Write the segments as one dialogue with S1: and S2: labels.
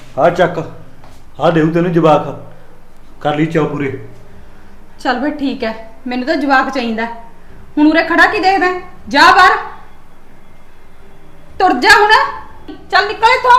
S1: ਆ ਚੱਕ ਆ ਦੇਉ ਤੈਨੂੰ ਜਵਾਕ ਕਰ ਲਈ ਚਾਅ ਪੂਰੇ।
S2: ਚੱਲ ਫਿਰ ਠੀਕ ਹੈ, ਮੈਨੂੰ ਤਾਂ ਜਵਾਕ ਚਾਹੀਦਾ। ਹੁਣ ਉਰੇ ਖੜਾ ਕੀ ਦੇਖਦਾ? ਜਾ ਬਾਹਰ, ਤੁਰ ਜਾ ਹੁਣ, ਚੱਲ ਨਿਕਲ ਇੱਥੋਂ।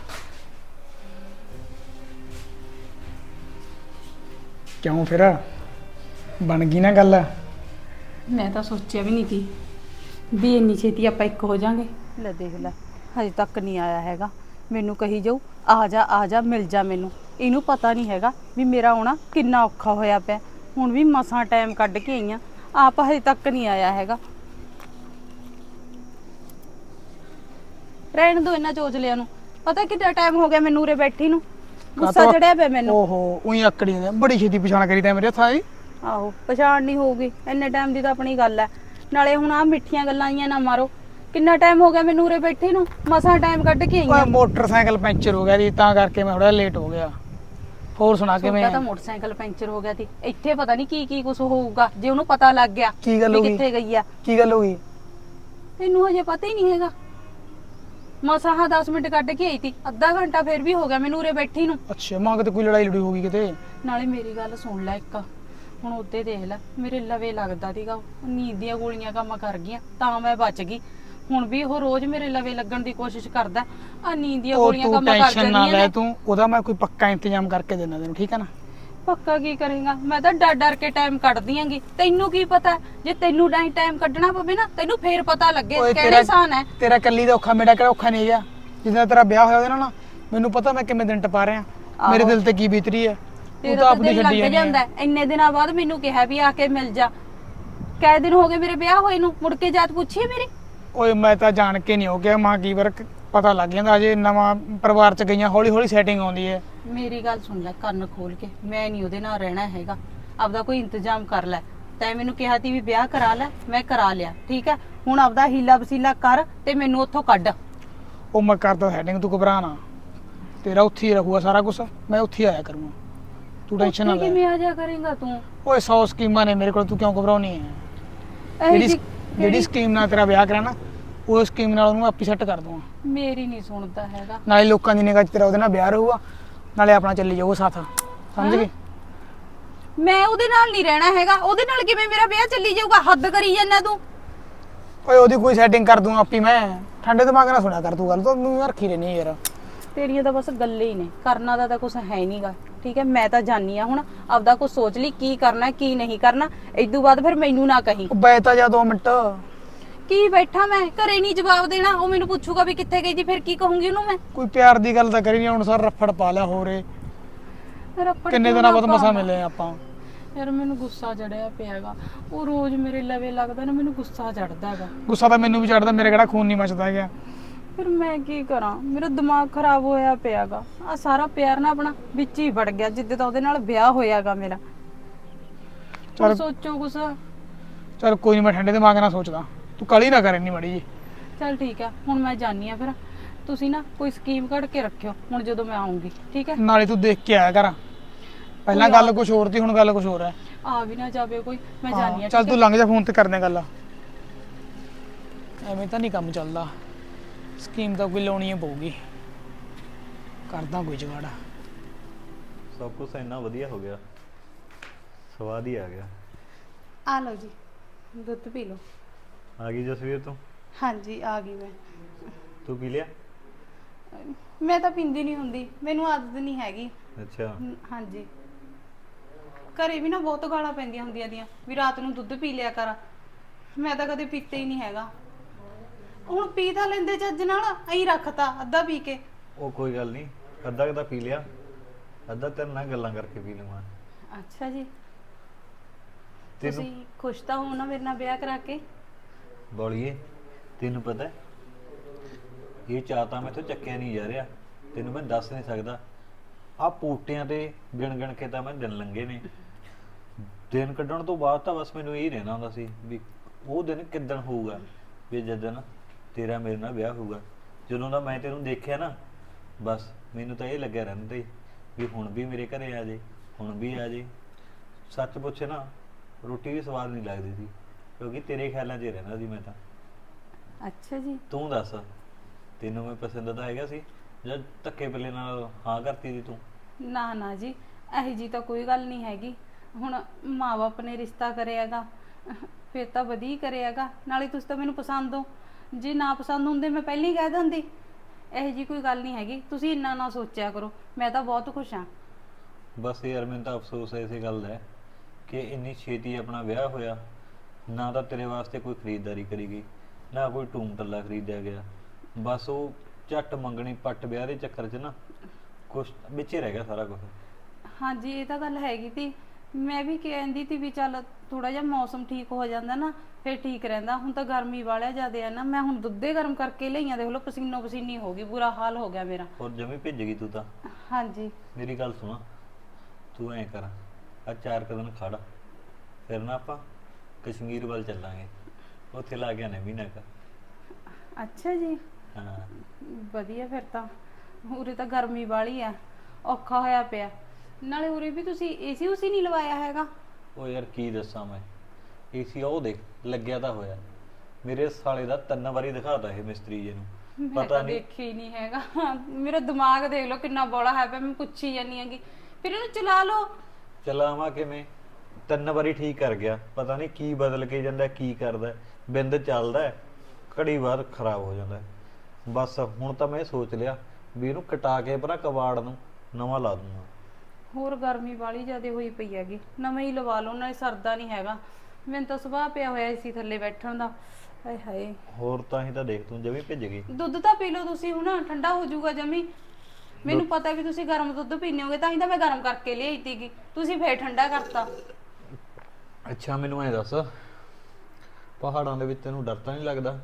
S3: ਕਿਉਂ ਫਿਰ ਬਣ ਗਈ ਨਾ ਗੱਲ?
S2: ਮੈਂ ਤਾਂ ਸੋਚਿਆ ਵੀ ਨਹੀਂ ਸੀ ਵੀ ਇੰਨੀ ਛੇਤੀ ਆਪਾਂ ਇੱਕ ਹੋ ਜਾਾਂਗੇ। ਲੈ ਦੇਖ ਲੈ, ਹਜੇ ਤੱਕ ਨਹੀਂ ਆਇਆ ਹੈਗਾ। ਮੈਨੂੰ ਕਹੀ ਜਾਊ ਆ ਜਾ ਮਿਲ ਜਾ ਮੈਨੂੰ। ਇਹਨੂੰ ਪਤਾ ਨਹੀਂ ਹੈਗਾ ਵੀ ਮੇਰਾ ਆਉਣਾ ਕਿੰਨਾ ਔਖਾ ਹੋਇਆ ਪਿਆ। ਹੁਣ ਵੀ ਮਸਾਂ ਟਾਈਮ ਕੱਢ ਕੇ ਆਈ ਆ, ਆਪ ਹਜੇ ਤੱਕ ਨਹੀਂ ਆਇਆ ਹੈਗਾ। ਰਹਿਣ ਦੋ ਇਹਨਾਂ ਚੋਚਲਿਆਂ ਨੂੰ। ਪਤਾ ਕਿੰਨਾ ਟਾਈਮ ਹੋ ਗਿਆ ਮੈਨੂੰ ਉਰੇ ਬੈਠੀ ਨੂੰ, ਗੁੱਸਾ ਚੜਿਆ ਪਿਆ ਮੈਨੂੰ।
S3: ਓਹੋ ਉਹੀ ਆਕੜੀ ਨੇ, ਬੜੀ ਛੇਤੀ ਪਛਾਣ ਕਰੀ ਤੈਂ ਮੇਰੇ ਹੱਥਾਂ ਦੀ।
S2: ਆਹੋ ਪਛਾਣ ਨਹੀਂ ਹੋਊਗੀ, ਇੰਨੇ ਟਾਈਮ ਦੀ ਤਾਂ ਆਪਣੀ ਗੱਲ ਹੈ। ਨਾਲੇ ਹੁਣ ਆ ਮਿੱਠੀਆਂ ਗੱਲਾਂ ਆਈਆਂ ਨਾ ਮਾਰੋ। ਕਿੰਨਾ ਟਾਈਮ ਹੋ ਗਿਆ ਮੈਨੂੰ ਉਰੇ ਬੈਠੀ ਨੂੰ, ਮਸਾਂ ਟਾਈਮ ਕੱਢ ਕੇ ਆਈ
S3: ਓਏ
S2: ਆ।
S3: ਮੋਟਰਸਾਈਕਲ ਪੈਂਚਰ ਹੋ ਗਿਆ ਜੀ, ਤਾਂ ਕਰਕੇ ਮੈਂ ਥੋੜਾ ਲੇਟ ਹੋ ਗਿਆ। ਹੋਰ ਸੁਣਾ ਕਿਵੇਂ?
S2: ਤਾਂ ਮੋਟਰਸਾਈਕਲ ਪੈਂਚਰ ਹੋ ਗਿਆ ਸੀ। ਇੱਥੇ ਪਤਾ ਨਹੀਂ ਕੀ ਕੁਝ ਹੋਊਗਾ ਜੇ ਉਹਨੂੰ ਪਤਾ ਲੱਗ ਗਿਆ
S3: ਕੀ ਗੱਲ
S2: ਵੀ
S3: ਹੋ ਗਈ?
S2: ਕਿੱਥੇ ਗਈ ਆ।
S3: ਕੀ ਗੱਲ ਹੋ ਗਈ?
S2: ਤੈਨੂੰ ਹਜੇ ਪਤਾ ਹੀ ਨਹੀਂ ਹੈਗਾ। ਮਸਾਂ 10 ਮਿੰਟ ਕੱਢ ਕੇ ਆਈ ਸੀ, ਅੱਧਾ ਘੰਟਾ ਫੇਰ ਵੀ ਹੋ ਗਿਆ ਮੈਨੂੰ ਉਰੇ ਬੈਠੀ ਨੂੰ।
S3: ਅੱਛਾ ਮਾਂ ਕਿਤੇ ਕੋਈ ਲੜਾਈ ਲੜੀ ਹੋ ਗਈ ਕਿਤੇ?
S2: ਨਾਲੇ ਮੇਰੀ ਗੱਲ ਸੁਣ ਲੈ ਇੱਕ, ਹੁਣ ਉੱਤੇ ਦੇਖ ਲੈ ਮੇਰੇ ਲਵੇ ਲੱਗਦਾ ਸੀਗਾ, ਨੀਂਦ ਦੀਆਂ ਗੋਲੀਆਂ ਕੰਮ ਕਰ ਗਈਆਂ ਤਾਂ ਮੈਂ ਬਚ ਗਈ। ਹੁਣ ਵੀ ਉਹ ਰੋਜ਼ ਮੇਰੇ ਲਵੇ ਲੱਗਣ ਦੀ ਕੋਸ਼ਿਸ਼ ਕਰਦਾ। ਆ ਨੀਂਦ ਦੀਆਂ ਗੋਲੀਆਂ ਕੰਮ ਕਰ
S3: ਟੈਨਸ਼ਨ ਨਾ
S2: ਜਾਂਦੀਆਂ
S3: ਲੈ
S2: ਨੇ।
S3: ਤੂੰ, ਉਹਦਾ ਮੈਂ ਕੋਈ ਪੱਕਾ ਇੰਤਜ਼ਾਮ ਕਰਕੇ ਦੇਣਾ ਤੈਨੂੰ, ਠੀਕ ਹੈ ਨਾ?
S2: ਪੱਕਾ ਕੀ ਕਰੇਗਾ? ਮੈਂ ਤਾਂ ਡਰ ਡਰ ਕੇ ਟਾਈਮ ਕੱਢਦੀ ਆਂਗੀ। ਤੈਨੂੰ ਕੀ ਪਤਾ, ਜੇ ਤੈਨੂੰ ਟਾਈਮ ਕੱਢਣਾ ਪਵੇ ਨਾ ਤੈਨੂੰ ਫੇਰ ਪਤਾ ਲੱਗੇ ਕਿਹੜੇ ਆਸਾਨ ਹੈ।
S3: ਤੇਰਾ ਕੱਲੀ ਦਾ ਔਖਾ, ਮੇਰਾ ਕਿਹੜਾ ਔਖਾ ਨਹੀਂ ਗਿਆ। ਜਿੱਦਾਂ ਤੇਰਾ ਵਿਆਹ ਹੋਇਆ ਉਹਦੇ ਨਾਲ ਨਾ, ਮੈਨੂੰ ਪਤਾ ਮੈਂ ਕਿੰਨੇ ਦਿਨ ਟਪਾ ਰਿਹਾ, ਮੇਰੇ ਦਿਲ ਤੇ ਕੀ ਬੀਤ ਰਹੀ ਹੈ। ਤੂੰ ਤਾਂ ਆਪਣੀ ਛੱਡੀ
S2: ਲੱਗ ਜਾਂਦਾ। ਇੰਨੇ ਦਿਨਾਂ ਬਾਅਦ ਮੈਨੂੰ ਕਿਹਾ ਵੀ ਆ ਕੇ ਮਿਲ ਜਾ। ਕਈ ਦਿਨ ਹੋ ਗਏ ਮੇਰੇ ਵਿਆਹ ਹੋਏ ਨੂੰ, ਮੁੜ ਕੇ ਜਾਤ ਪੁੱਛੀ ਮੇਰੀ।
S3: ਓਏ ਮੈਂ ਤਾਂ ਜਾਣ ਕੇ ਨਹੀਂ ਹੋ ਗਿਆ, ਮਾਂ ਕੀ ਵਾਰ ਪਤਾ ਲੱਗ ਜਾਂਦਾ। ਅਜੇ ਨਵਾਂ ਪਰਿਵਾਰ ਚ ਗਈਆਂ, ਹੌਲੀ ਹੌਲੀ ਸੈਟਿੰਗ ਆਉਂਦੀ ਹੈ।
S2: ਮੇਰੀ ਗੱਲ ਸੁਣ ਲੈ ਕੰਨ ਖੋਲ ਕੇ, ਮੈਂ ਨਹੀਂ ਉਹਦੇ ਨਾਲ ਰਹਿਣਾ ਹੈਗਾ। ਆਪਦਾ ਕੋਈ ਇੰਤਜ਼ਾਮ ਕਰ ਲੈ। ਤੈਂ ਮੈਨੂੰ ਕਿਹਾ ਸੀ ਵੀ ਵਿਆਹ ਕਰਾ ਲੈ, ਮੈਂ ਕਰਾ ਲਿਆ, ਠੀਕ ਹੈ। ਹੁਣ ਆਪਦਾ ਹੀਲਾ ਵਸੀਲਾ ਕਰ ਤੇ ਮੈਨੂੰ ਉੱਥੋਂ ਕੱਢ।
S3: ਉਹ ਮੈਂ ਕਰਦਾ ਸੈਟਿੰਗ, ਤੂੰ ਘਬਰਾ ਨਾ। ਤੇਰਾ ਉੱਥੇ ਹੀ ਰਹੂਗਾ ਸਾਰਾ ਕੁਝ, ਮੈਂ ਉੱਥੇ ਹੀ ਆਇਆ ਕਰੂੰਗਾ। ਤੂੰ ਟੈਨਸ਼ਨ ਨਾ ਲੈ।
S2: ਕਿਵੇਂ ਆ ਜਾ ਕਰੇਗਾ ਤੂੰ?
S3: ਓਏ 100 ਸਕੀਮਾਂ ਨੇ ਮੇਰੇ ਕੋਲ, ਤੂੰ ਕਿਉਂ ਘਬਰਾਉਣੀ ਹੈ? ਜਿਹੜੀ ਸਕੀਮ ਨਾਲ ਤੇਰਾ ਵਿਆਹ ਕਰਾਣਾ, ਉਹ ਸਕੀਮ ਨਾਲ ਉਹਨੂੰ ਆਪੀ ਸੈੱਟ ਕਰ ਦੂੰਗਾ।
S2: ਮੇਰੀ ਨਹੀਂ ਸੁਣਦਾ ਹੈਗਾ।
S3: ਨਾਲੇ ਲੋਕਾਂ ਦੀ ਨਿਗਾਹ 'ਚ ਤੇਰਾ ਉਹਦੇ ਨਾਲ ਵਿਆਹ ਰਹੂਗਾ, ਨਾਲੇ ਆਪਣਾ ਚੱਲੀ ਜਾਊਗਾ ਸਾਥ। ਸਮਝ ਗਈ?
S2: ਮੈਂ ਉਹਦੇ ਨਾਲ ਨਹੀਂ ਰਹਿਣਾ ਹੈਗਾ। ਉਹਦੇ ਨਾਲ ਕਿਵੇਂ ਮੇਰਾ ਵਿਆਹ ਚੱਲੀ ਜਾਊਗਾ? ਹੱਦ ਕਰੀ ਜਾਂਦਾ ਤੂੰ।
S3: ਓਏ ਉਹਦੀ ਕੋਈ ਸੈਟਿੰਗ ਕਰ ਦੂੰਗਾ ਆਪੀ ਮੈਂ। ਠੰਡੇ ਦਿਮਾਗ ਨਾਲ ਸੁਣਿਆ ਕਰ ਤੂੰ ਗੱਲ, ਤੂੰ ਰੱਖੀ ਰਹਿਣੀ ਯਾਰ।
S2: ਤੇਰੀਆਂ ਤਾਂ ਬਸ ਗੱਲਾਂ ਹੀ ਨੇ, ਕਰਨਾ ਦਾ ਤਾਂ ਕੁਝ ਹੈ ਨਹੀਂਗਾ, ਠੀਕ ਹੈ। ਮੈਂ ਤਾਂ ਜਾਣੀ ਆ, ਹੁਣ ਆਪਦਾ ਕੁਝ ਸੋਚ ਲਈ ਕੀ ਕਰਨਾ ਕੀ ਨਹੀਂ ਕਰਨਾ। ਇਦੋਂ ਬਾਅਦ ਫਿਰ ਮੈਨੂੰ ਨਾ ਕਹੀਂ।
S3: ਬੈ ਤਾਂ ਜਾ 2 ਮਿੰਟ।
S2: ਕੀ ਬੈਠਾ ਮੈਂ ਘਰੇ, ਨਹੀਂ ਜਵਾਬ ਦੇਣਾ। ਉਹ ਮੈਨੂੰ ਪੁੱਛੂਗਾ ਵੀ ਕਿੱਥੇ ਗਈ ਜੀ, ਫਿਰ ਕੀ ਕਹੂੰਗੀ ਉਹਨੂੰ ਮੈਂ?
S3: ਕੋਈ ਪਿਆਰ ਦੀ ਗੱਲ ਤਾਂ ਕਰੀ ਨਹੀਂ, ਹੁਣ ਸਰ ਰੱਫੜ ਪਾ ਲਿਆ। ਹੋਰੇ ਕਿੰਨੇ ਦਿਨਾਂ ਬਾਅਦ ਮਸਾਂ ਮਿਲੇ ਆਪਾਂ।
S2: ਯਾਰ ਮੈਨੂੰ ਗੁੱਸਾ ਚੜਿਆ ਪਿਆਗਾ। ਉਹ ਰੋਜ਼ ਮੇਰੇ ਲਵੇ ਲੱਗਦਾ ਨਾ, ਮੈਨੂੰ ਗੁੱਸਾ ਚੜਦਾ ਹੈਗਾ।
S3: ਗੁੱਸਾ ਤਾਂ ਮੈਨੂੰ ਵੀ ਚੜਦਾ, ਮੇਰੇ ਕਿਹੜਾ ਖੂਨ ਨਹੀਂ ਮੱਚਦਾ ਹੈਗਾ।
S2: ਫਿਰ ਮੈਂ ਕੀ ਕਰਾਂ? ਮੇਰਾ ਦਿਮਾਗ ਖਰਾਬ ਹੋਇਆ ਪਿਆਗਾ। ਆ ਸਾਰਾ ਪਿਆਰ ਨਾ ਆਪਣਾ ਵਿੱਚ ਹੀ ਵੜ ਗਿਆ ਜਿੱਦੇ ਤਾਂ ਉਹਦੇ ਨਾਲ ਵਿਆਹ ਹੋਇਆਗਾ ਮੇਰਾ। ਚਲ ਸੋਚੋ ਕੁਛ।
S3: ਚਲ ਕੋਈ ਨਹੀਂ, ਮੈਂ ਠੰਡੇ ਦਿਮਾਗ ਨਾਲ ਸੋਚਦਾ। ਤੂੰ ਕਾਲੀ ਨਾ ਕਰ ਇੰਨੀ ਮਾੜੀ ਜੀ।
S2: ਚਲ ਠੀਕ ਹੈ, ਹੁਣ ਮੈਂ ਜਾਣੀ ਆ। ਫਿਰ ਤੁਸੀਂ ਨਾ ਕੋਈ ਸਕੀਮ ਕੱਢ ਕੇ ਰੱਖਿਓ ਹੁਣ ਜਦੋਂ ਮੈਂ ਆਉਂਗੀ, ਠੀਕ ਹੈ।
S3: ਨਾਲੇ ਤੂੰ ਦੇਖ ਕੇ ਆਇਆ ਕਰ। ਪਹਿਲਾਂ ਗੱਲ ਕੁਝ ਹੋਰ ਸੀ, ਹੁਣ ਗੱਲ ਕੁਝ ਹੋਰ ਹੈ।
S2: ਆ ਵੀ ਨਾ ਜਾਵੇ ਕੋਈ। ਮੈਂ ਜਾਣੀ ਆ।
S3: ਚੱਲ ਤੂੰ ਲੰਘ ਜਾ, ਫੋਨ ਤੇ ਕਰਦੇ ਗੱਲ। ਐਵੇਂ ਤਾਂ ਨਹੀਂ ਕੰਮ ਚੱਲਦਾ। ਸਕੀਮ ਤਾਂ ਕੋਈ ਲਾਉਣੀ ਪਊਗੀ, ਕਰਦਾ ਕੋਈ ਜੁਗਾੜ।
S1: ਸਭ ਕੁਝ ਇੰਨਾ ਵਧੀਆ ਹੋ ਗਿਆ, ਸਵਾਦ ਹੀ ਆ ਗਿਆ।
S2: ਆ ਲਓ ਜੀ, ਦੁੱਧ ਪੀ ਲਓ।
S1: ਆ ਗਈ ਜਸਵੀਰ ਤੂੰ?
S2: ਹਾਂਜੀ ਆ ਗਈ ਮੈਂ।
S1: ਤੂੰ ਪੀ ਲਿਆ?
S2: ਮੈਂ ਤਾਂ ਪੀਂਦੀ ਨਹੀਂ ਹੁੰਦੀ, ਮੈਨੂੰ ਆਦਤ ਨਹੀਂ ਹੈਗੀ।
S1: ਅੱਛਾ।
S2: ਹਾਂਜੀ, ਘਰੇ ਵੀ ਨਾ ਬਹੁਤ ਗਾਲਾਂ ਪੈਂਦੀਆਂ ਹੁੰਦੀਆਂ ਦੀਆਂ ਵੀ ਰਾਤ ਨੂੰ ਦੁੱਧ ਪੀ ਲਿਆ ਕਰ। ਮੈਂ ਤਾਂ ਕਦੇ ਪੀਤੇ ਹੀ ਨਹੀਂ ਹੈਗਾ। ਹੁਣ ਪੀ ਤਾਂ ਲੈਂਦੇ ਚੱਜ ਨਾਲ, ਐਂ ਰੱਖਤਾ ਅੱਧਾ ਪੀ ਕੇ।
S1: ਉਹ ਕੋਈ ਗੱਲ ਨਹੀਂ, ਅੱਧਾ ਕੁ ਤਾਂ ਪੀ ਲਿਆ, ਅੱਧਾ ਤੇਰੇ ਨਾਲ ਗੱਲਾਂ ਕਰਕੇ ਪੀ ਲਵਾਂ।
S2: ਅੱਛਾ ਜੀ, ਤੁਸੀਂ ਖੁਸ਼ ਤਾਂ ਹੋ ਨਾ ਮੇਰੇ ਨਾਲ ਵਿਆਹ ਕਰਾ ਕੇ?
S1: ਬੋਲੀਏ, ਤੈਨੂੰ ਪਤਾ ਇਹ ਚਾਹ ਤਾਂ ਮੈਥੋਂ ਚੱਕਿਆ ਨਹੀਂ ਜਾ ਰਿਹਾ, ਤੈਨੂੰ ਮੈਂ ਦੱਸ ਨਹੀਂ ਸਕਦਾ। ਆ ਪੂਟਿਆਂ ਤੇ ਗਿਣ ਗਿਣ ਕੇ ਤਾਂ ਮੈਂ ਦਿਨ ਲੰਘੇ ਨੇ। ਦਿਨ ਕੱਢਣ ਤੋਂ ਬਾਅਦ ਤਾਂ ਬਸ ਮੈਨੂੰ ਇਹ ਰਹਿਣਾ ਹੁੰਦਾ ਸੀ ਵੀ ਉਹ ਦਿਨ ਕਿੱਦਣ ਹੋਊਗਾ, ਵੀ ਜਦੋਂ ਤੇਰਾ ਮੇਰੇ ਨਾਲ ਵਿਆਹ ਹੋਊਗਾ। ਜਦੋਂ ਦਾ ਮੈਂ ਤੈਨੂੰ ਦੇਖਿਆ ਨਾ, ਬਸ ਮੈਨੂੰ ਤਾਂ ਇਹ ਲੱਗਿਆ ਰਹਿੰਦਾ ਸੀ ਵੀ ਹੁਣ ਵੀ ਮੇਰੇ ਘਰੇ ਆ ਜੇ, ਹੁਣ ਵੀ ਆ ਜੇ। ਸੱਚ ਪੁੱਛੇ ਨਾ, ਰੋਟੀ ਵੀ ਸਵਾਦ ਨਹੀਂ ਲੱਗਦੀ ਸੀ, ਕਿਉਂਕਿ ਤੇਰੇ ਖਿਆਲਾਂ 'ਚ ਰਹਿੰਦਾ ਸੀ ਮੈਂ ਤਾਂ।
S2: ਅੱਛਾ ਜੀ।
S1: ਤੂੰ ਦੱਸ, ਤੈਨੂੰ ਮੈਂ ਪਸੰਦ ਤਾਂ ਹੈਗਾ ਸੀ? ਜਦ ਧੱਕੇ ਪੱਲੇ ਨਾਲ ਹਾਂ ਕਰਤੀ ਦੀ ਤੂੰ?
S2: ਨਾ ਨਾ ਜੀ, ਇਹੋ ਜੀ ਤਾਂ ਕੋਈ ਗੱਲ ਨਹੀਂ ਹੈਗੀ। ਹੁਣ ਮਾਂ-ਬਾਪ ਨੇ ਰਿਸ਼ਤਾ ਕਰਿਆਗਾ, ਫਿਰ ਤਾਂ ਵਧੀਆ ਕਰਿਆਗਾ। ਨਾਲੇ ਤੁਸੀਂ ਤਾਂ ਮੈਨੂੰ ਪਸੰਦ ਹੋ, ਜੇ ਨਾ ਪਸੰਦ ਹੁੰਦੇ ਮੈਂ ਪਹਿਲਾਂ ਹੀ ਕਹਿ ਦਿੰਦੀ। ਇਹੋ ਜੀ ਕੋਈ ਗੱਲ ਨਹੀਂ ਹੈਗੀ, ਤੁਸੀਂ ਇੰਨਾ ਨਾ ਸੋਚਿਆ ਕਰੋ। ਮੈਂ ਤਾਂ ਬਹੁਤ ਖੁਸ਼ ਹਾਂ।
S1: ਬਸ ਯਾਰ ਮੈਨੂੰ ਤਾਂ ਅਫਸੋਸ ਹੈ ਇਸੇ ਗੱਲ ਦਾ ਕਿ ਇੰਨੀ ਛੇਤੀ ਆਪਣਾ ਵਿਆਹ ਹੋਇਆ, ਨਾ ਤਾਂ ਤੇਰੇ ਵਾਸਤੇ ਕੋਈ ਖਰੀਦਦਾਰੀ ਕਰੀ ਗਈ, ਨਾ ਕੋਈ ਟੂਮ ਟੱਲਾ ਖਰੀਦਿਆ ਗਿਆ। ਬਸ ਉਹ ਝੱਟ ਮੰਗਣੀ ਪੱਟ ਵਿਆਹ ਦੇ ਚੱਕਰ 'ਚ ਨਾ ਕੁਛ ਵਿੱਚੇ ਰਹਿ ਗਿਆ ਸਾਰਾ ਕੁਝ।
S2: ਹਾਂਜੀ ਇਹ ਤਾਂ ਗੱਲ ਹੈਗੀ ਤੀ। ਮੈਂ ਵੀ ਕਹਿੰਦੀ ਤੀ ਵੀ ਚੱਲ ਥੋੜਾ ਜਿਹਾ ਮੌਸਮ ਠੀਕ ਹੋ ਜਾਂਦਾ ਨਾ ਫਿਰ ਠੀਕ ਰਹਿੰਦਾ। ਹੁਣ ਤਾਂ ਗਰਮੀ ਵਾਲਿਆ ਜ਼ਿਆਦਾ ਆ ਨਾ, ਮੈਂ ਹੁਣ ਦੁੱਧੇ ਗਰਮ ਕਰਕੇ ਲਈਆਂ, ਦੇਖ ਲਓ ਪਸੀਨੋ ਪਸੀਨੀ ਹੋ ਗਈ, ਬੁਰਾ ਹਾਲ ਹੋ ਗਿਆ ਮੇਰਾ।
S1: ਹੋਰ ਜਮੀ ਭਿੱਜ ਗਈ ਤੂੰ ਤਾਂ।
S2: ਹਾਂਜੀ
S1: ਮੇਰੀ ਗੱਲ ਸੁਣਾ, ਤੂੰ ਐਂ ਕਰ, ਆ 4 ਦਿਨ ਖੜ, ਫਿਰ ਨਾ ਆਪਾਂ ਕਸ਼ਮੀਰ ਵੱਲ ਚੱਲਾਂਗੇ, ਉੱਥੇ ਲਾ ਕੇ ਆਨੇ ਮਹੀਨਾ ਕੁ।
S2: ਅੱਛਾ ਜੀ,
S1: ਹਾਂ
S2: ਵਧੀਆ। ਫਿਰ ਤਾਂ ਉਰੇ ਤਾਂ ਗਰਮੀ ਵਾਲੀ ਆ, ਔਖਾ ਹੋਇਆ ਪਿਆ। ਨਾਲੇ ਉਰੇ ਵੀ ਤੁਸੀਂ ਏਸੀ ਉਸੀ ਨਹੀਂ ਲਵਾਇਆ ਹੈਗਾ?
S1: ਉਹ ਯਾਰ ਕੀ ਦੱਸਾਂ ਮੈਂ, ਏਸੀ ਉਹ ਦੇਖ ਲੱਗਿਆ ਤਾਂ ਹੋਇਆ, ਮੇਰੇ ਸਾਲੇ ਦਾ 3 ਵਾਰੀ ਦਿਖਾਤਾ ਇਹ ਮਿਸਤਰੀ ਜੀ ਨੂੰ,
S2: ਮੈਂ
S1: ਪਤਾ
S2: ਤਾਂ
S1: ਨਹੀਂ।
S2: ਦੇਖਿਆ ਹੀ ਨਹੀਂ ਹੈਗਾ। ਮੇਰਾ ਦਿਮਾਗ ਦੇਖ ਲਓ ਕਿੰਨਾ ਬੋਲਾ ਹੈ ਪਿਆ, ਮੈਂ ਪੁੱਛੀ ਜਾਂਦੀ ਹੈਗੀ। ਫਿਰ ਇਹਨੂੰ ਚਲਾ ਲਓ।
S1: ਚਲਾਵਾਂ ਕਿਵੇਂ? 3 ਵਾਰੀ ਠੀਕ ਕਰ ਗਿਆ, ਪਤਾ ਨਹੀਂ ਕੀ ਬਦਲ ਕੇ ਜਾਂਦਾ, ਕੀ ਕਰਦਾ। ਬਿੰਦ ਚੱਲਦਾ ਘੜੀ ਬਾਅਦ ਖਰਾਬ ਹੋ ਜਾਂਦਾ। ਬਸ ਹੁਣ ਤਾਂ ਮੈਂ ਸੋਚ ਲਿਆ ਵੀ ਇਹਨੂੰ ਕਟਾ ਕੇ ਭਰਾ ਕਬਾੜ ਨੂੰ ਨਵਾਂ ਲਾ ਦੂੰਗਾ।
S2: ਹੋਰ ਗਰਮੀ ਵਾਲੀ ਜ਼ਿਆਦਾ ਹੋਈ ਪਈ ਹੈਗੀ, ਨਵਾਂ ਹੀ ਲਵਾ ਲਓ, ਨਾਲੇ ਸਰਦਾ ਨਹੀਂ ਹੈਗਾ। ਮੈਨੂੰ ਤਾਂ ਸੁਭਾਅ ਪਿਆ ਹੋਇਆ ਏਸੀ ਥੱਲੇ ਬੈਠਣ ਦਾ। ਹਾਏ ਹਾਏ,
S1: ਹੋਰ ਤਾਂ ਹੀ ਤਾਂ ਦੇਖ ਤੂੰ ਜਮੀ ਭਿੱਜ ਗਈ।
S2: ਦੁੱਧ ਤਾਂ ਪੀ ਲਓ ਤੁਸੀਂ, ਹੁਣ ਠੰਡਾ ਹੋ ਜਾਊਗਾ ਜਮੀ। ਮੈਨੂੰ ਪਤਾ ਵੀ ਤੁਸੀਂ ਗਰਮ ਦੁੱਧ ਪੀਨੇ ਹੋਗੇ, ਤਾਂ ਹੀ ਤਾਂ ਮੈਂ ਗਰਮ ਕਰਕੇ ਲਿਆਈ ਤੀਗੀ, ਤੁਸੀਂ ਫੇਰ ਠੰਡਾ ਕਰਤਾ।
S1: ਅੱਛਾ ਮੈਨੂੰ ਐ ਦੱਸ, ਪਹਾੜਾਂ ਦੇ ਵਿੱਚ ਤੈਨੂੰ ਡਰ ਤਾਂ ਨਹੀਂ ਲੱਗਦਾ?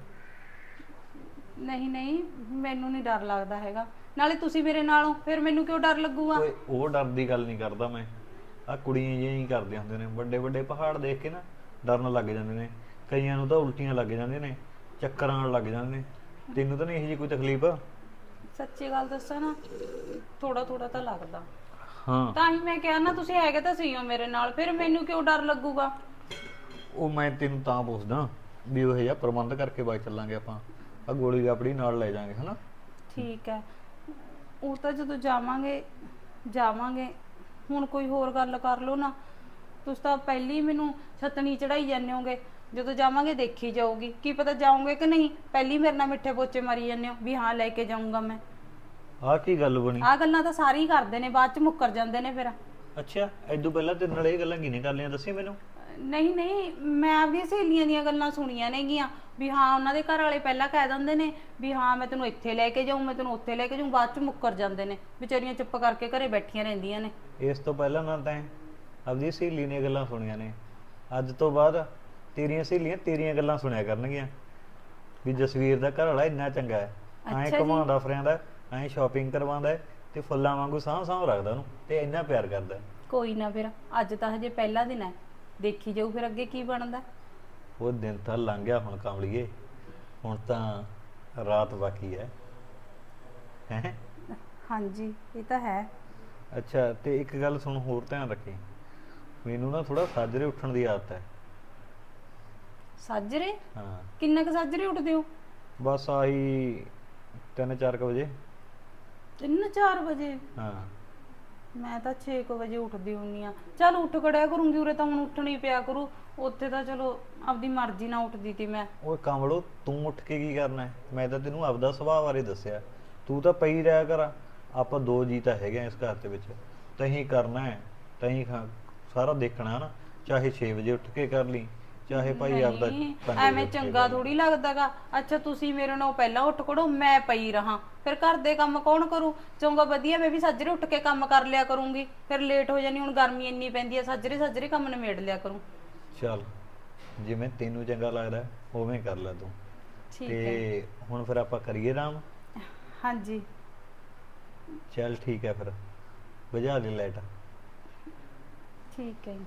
S2: ਨਹੀਂ ਨਹੀਂ, ਮੈਨੂੰ ਨਹੀਂ ਡਰ ਲੱਗਦਾ ਹੈਗਾ। ਨਾਲੇ ਤੁਸੀਂ ਮੇਰੇ ਨਾਲ ਹੋ, ਫਿਰ ਮੈਨੂੰ ਕਿਉਂ ਡਰ ਲੱਗੂਗਾ?
S1: ਓਏ ਉਹ ਡਰ ਦੀ ਗੱਲ ਨਹੀਂ ਕਰਦਾ ਮੈਂ, ਆ ਕੁੜੀਆਂ ਜਿਹੀਆਂ ਹੀ ਕਰਦੀਆਂ ਹੁੰਦੀਆਂ ਨੇ, ਵੱਡੇ ਵੱਡੇ ਪਹਾੜ ਦੇਖ ਕੇ ਨਾ ਡਰਨ ਲੱਗ ਜਾਂਦੇ ਨੇ। ਕਈਆਂ ਨੂੰ ਤਾਂ ਉਲਟੀਆਂ ਲੱਗ ਜਾਂਦੀਆਂ ਨੇ, ਚੱਕਰ ਆਉਣ ਲੱਗ ਜਾਂਦੇ ਨੇ। ਤੈਨੂੰ ਤਾਂ ਨਹੀਂ ਇਹੋ ਜਿਹੀ ਕੋਈ ਤਕਲੀਫ?
S2: ਸੱਚੀ ਗੱਲ ਦੱਸਾਂ ਨਾ, ਥੋੜਾ ਥੋੜਾ ਤਾਂ ਲੱਗਦਾ।
S1: ਹਾਂ
S2: ਤਾਂ ਹੀ ਮੈਂ ਕਿਹਾ ਨਾ, ਤੁਸੀਂ ਹੈਗੇ ਤਾਂ ਸਹੀ ਹੋ ਮੇਰੇ ਨਾਲ, ਫਿਰ ਮੈਨੂੰ ਕਿਉਂ ਡਰ ਲੱਗੂਗਾ?
S1: ਉਹ ਮੈਂ ਤੈਨੂੰ ਤਾਂ ਪੁੱਛਦਾ ਵੀ ਉਹ ਜਿਹਾ ਪ੍ਰਬੰਧ ਕਰਕੇ ਬਾਈ ਚੱਲਾਂਗੇ ਆਪਾਂ, ਆ ਗੋਲੀ ਆਪਣੀ ਨਾਲ ਲੈ ਜਾਾਂਗੇ ਹਨਾ।
S2: ਠੀਕ ਹੈ, ਉਹ ਤਾਂ ਜਦੋਂ ਜਾਵਾਂਗੇ ਜਾਵਾਂਗੇ। ਹੁਣ ਕੋਈ ਹੋਰ ਗੱਲ ਕਰ ਲਓ ਨਾ, ਤੁਸੀਂ ਤਾਂ ਪਹਿਲੀ ਹੀ ਮੈਨੂੰ ਛਤਣੀ ਚੜਾਈ ਜਾਂਦੇ ਹੋਗੇ। ਜਦੋਂ ਜਾਵਾਂਗੇ ਦੇਖੀ ਜਾਊਗੀ, ਕੀ ਪਤਾ ਜਾਓਗੇ ਕਿ ਨਹੀਂ। ਪਹਿਲੀ ਮੇਰੇ ਨਾਲ ਮਿੱਠੇ ਪੋਚੇ ਮਾਰੀ ਜਾਂਦੇ ਹੋ ਵੀ ਹਾਂ ਲੈ ਕੇ ਜਾਊਂਗਾ ਮੈਂ।
S1: ਆਹ ਕੀ ਗੱਲ ਬਣੀ?
S2: ਆਹ ਗੱਲਾਂ ਤਾਂ ਸਾਰੇ ਹੀ ਕਰਦੇ ਨੇ, ਬਾਅਦ ਚ ਮੁੱਕਰ ਜਾਂਦੇ ਨੇ ਫਿਰ।
S1: ਅੱਛਾ ਐਦੋਂ ਪਹਿਲਾਂ ਤੇਰੇ ਨਾਲ ਇਹ ਗੱਲਾਂ ਕਿਹਨੇ ਕਰ ਲਈਆਂ ਦੱਸੀ ਮੈਨੂੰ।
S2: ਨਹੀਂ ਨਹੀਂ, ਮੈਂ ਆਪਣੀਆਂ ਸਹੇਲੀਆਂ ਦੀਆਂ ਗੱਲਾਂ ਸੁਣੀਆਂ ਨੇਗੀਆਂ ਵੀ ਹਾਂ ਉਹਨਾਂ ਦੇ ਘਰ ਵਾਲੇ ਪਹਿਲਾਂ ਕਹਿ ਦਿੰਦੇ ਨੇ ਵੀ ਹਾਂ ਮੈਂ ਤੈਨੂੰ ਇੱਥੇ ਲੈ ਕੇ ਜਾਊਂ, ਮੈਂ ਤੈਨੂੰ ਉੱਥੇ ਲੈ ਕੇ ਜਾਊਂ, ਬਾਅਦ ਚ ਮੁੱਕਰ ਜਾਂਦੇ ਨੇ। ਵਿਚਾਰੀਆਂ ਚੁੱਪ ਕਰਕੇ ਘਰੇ ਬੈਠੀਆਂ ਰਹਿੰਦੀਆਂ ਨੇ।
S1: ਇਸ ਤੋਂ ਪਹਿਲਾਂ ਨਾ ਤੈਂ ਆਪਣੀ ਸਹੇਲੀ ਦੀਆਂ ਗੱਲਾਂ ਸੁਣੀਆਂ ਨੇ, ਅੱਜ ਤੋਂ ਬਾਅਦ ਤੇਰੀਆਂ ਸਹੇਲੀਆਂ ਤੇਰੀਆਂ ਗੱਲਾਂ ਸੁਣਿਆ ਕਰਨਗੀਆਂ ਵੀ ਜਸਵੀਰ ਦਾ ਘਰ ਵਾਲਾ ਇੰਨਾ ਚੰਗਾ ਹੈ, ਐਂ
S2: ਅੱਛਾ ਜੀ।
S1: ਘੁਮਾਉਂਦਾ ਫਿਰਿਆਂਦਾ, ਐਂ ਸ਼ਾਪਿੰਗ ਕਰਵਾਉਂਦਾ ਤੇ ਫੁੱਲਾਂ ਵਾਂਗੂ ਸਾਂਭ ਰੱਖਦਾ ਉਹਨੂੰ ਤੇ ਇੰਨਾ ਪਿਆਰ ਕਰਦਾ।
S2: ਕੋਈ ਨਾ, ਫਿਰ ਅੱਜ ਤਾਂ ਹਜੇ ਪਹਿਲਾ ਦਿਨ ਹੈ, ਦੇਖੀ ਜਾਊ ਫਿਰ ਅੱਗੇ ਕੀ ਬਣਦਾ।
S1: ਉਹ ਦਿਨ ਤਾਂ ਲੰਘ ਗਿਆ ਹੁਣ ਕਮਲੀਏ, ਹੁਣ ਤਾਂ ਰਾਤ ਬਾਕੀ ਹੈ। ਹੈਂ?
S2: ਹਾਂਜੀ ਇਹ ਤਾਂ ਹੈ।
S1: ਅੱਛਾ ਤੇ ਇੱਕ ਗੱਲ ਸੁਣ, ਹੋਰ ਧਿਆਨ ਰੱਖੀ, ਮੈਨੂੰ ਨਾ ਥੋੜਾ ਸਾਜਰੇ ਉੱਠਣ ਦੀ ਆਦਤ ਹੈ।
S2: ਸਾਜਰੇ?
S1: ਹਾਂ
S2: ਕਿੰਨਾ ਕੁ ਸਾਜਰੇ ਉੱਠਦੇ ਹੋ?
S1: ਬਸ ਆਹੀ 3-4 ਵਜੇ।
S2: 3-4 ਵਜੇ?
S1: ਹਾਂ
S2: ਮੈਂ ਤਾਂ 6 ਵਜੇ ਉੱਠਦੀ ਹੁੰਨੀ ਆ। ਚੱਲ ਉੱਠ ਖੜਿਆ ਕਰੂੰਗੀ, ਉਰੇ ਤਾਂ ਹੁਣ ਉੱਠਣੀ ਪਿਆ ਕਰੂ। ਉੱਥੇ ਤਾਂ ਚਲੋ ਆਪਦੀ ਮਰਜ਼ੀ ਨਾਲ ਉੱਠਦੀ ਤੀ ਮੈਂ।
S1: ਓਏ ਕਮਲੋ, ਤੂੰ ਉੱਠ ਕੇ ਕੀ ਕਰਨਾ ਹੈ? ਮੈਂ ਤਾਂ ਤੈਨੂੰ ਆਪਦਾ ਸੁਭਾਅ ਬਾਰੇ ਦੱਸਿਆ, ਤੂੰ ਤਾਂ ਪਈ ਰਿਹਾ ਕਰ। ਆਪਾਂ 2 ਜੀ ਤਾਂ ਹੈਗੇ ਆ ਇਸ ਘਰ ਦੇ ਵਿੱਚ, ਤਹੀਂ ਕਰਨਾ ਹੈ, ਤਹੀਂ ਸਾਰਾ ਦੇਖਣਾ ਹੈ ਨਾ। ਚਾਹੇ 6 ਵਜੇ ਉੱਠ ਕੇ ਕਰ ਲਈ, ਚਾਹੇ ਭਾਈ ਆਪਦਾ
S2: ਨਹੀਂ,
S1: 5 ਵਜੇ
S2: ਐਵੇਂ
S1: ਉੱਠ ਕੇ
S2: ਚੰਗਾ
S1: ਕਰ ਲਈ।
S2: ਥੋੜੀ ਲੱਗਦਾਗਾ। ਅੱਛਾ ਤੁਸੀਂ ਮੇਰੇ ਨਾਲ ਪਹਿਲਾਂ ਉੱਠ ਖੜੋ, ਮੈਂ ਪਈ ਰਹਾ, ਫਿਰ ਘਰ ਦੇ ਕੰਮ ਕੌਣ ਕਰੂ? ਚੰਗਾ ਵਧੀਆ, ਮੈਂ ਵੀ ਸਾਜਰੇ ਉੱਠ ਕੇ ਕੰਮ ਕਰ ਲਿਆ ਕਰੂੰਗੀ। ਫਿਰ ਲੇਟ ਹੋ ਜਾਣੀ, ਹੁਣ ਗਰਮੀ ਇੰਨੀ ਪੈਂਦੀ ਹੈ, ਸਾਜਰੇ ਸਾਜਰੇ ਕੰਮ ਨਿਬੇੜ ਲਿਆ ਕਰੂੰ।
S1: ਚੱਲ ਜਿਵੇਂ ਤੈਨੂੰ ਚੰਗਾ ਲੱਗਦਾ ਉਵੇਂ ਕਰ ਲੈ ਤੂੰ।
S2: ਠੀਕ ਹੈ।
S1: ਤੇ ਹੁਣ ਫਿਰ ਆਪਾਂ ਕਰੀਏ ਆਰਾਮ?
S2: ਹਾਂਜੀ
S1: ਚੱਲ ਠੀਕ ਹੈ, ਫਿਰ ਬੁਝਾ ਦੇ ਲਾਈਟ।
S2: ਠੀਕ ਹੈ ਜੀ।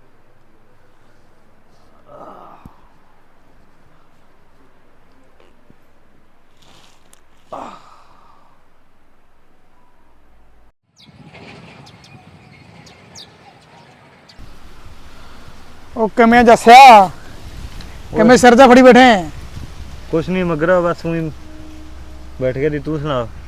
S3: ਉਹ ਕਿਵੇਂ ਜੱਸਿਆ, ਕਿਵੇਂ ਸਿਰ ਜਾ ਫੜੀ ਬੈਠੇ?
S1: ਕੁਛ ਨਹੀਂ ਮਗਰਾ, ਬਸ ਉਹੀ ਬੈਠ ਗਿਆ ਦੀ। ਤੂੰ ਸੁਣਾ?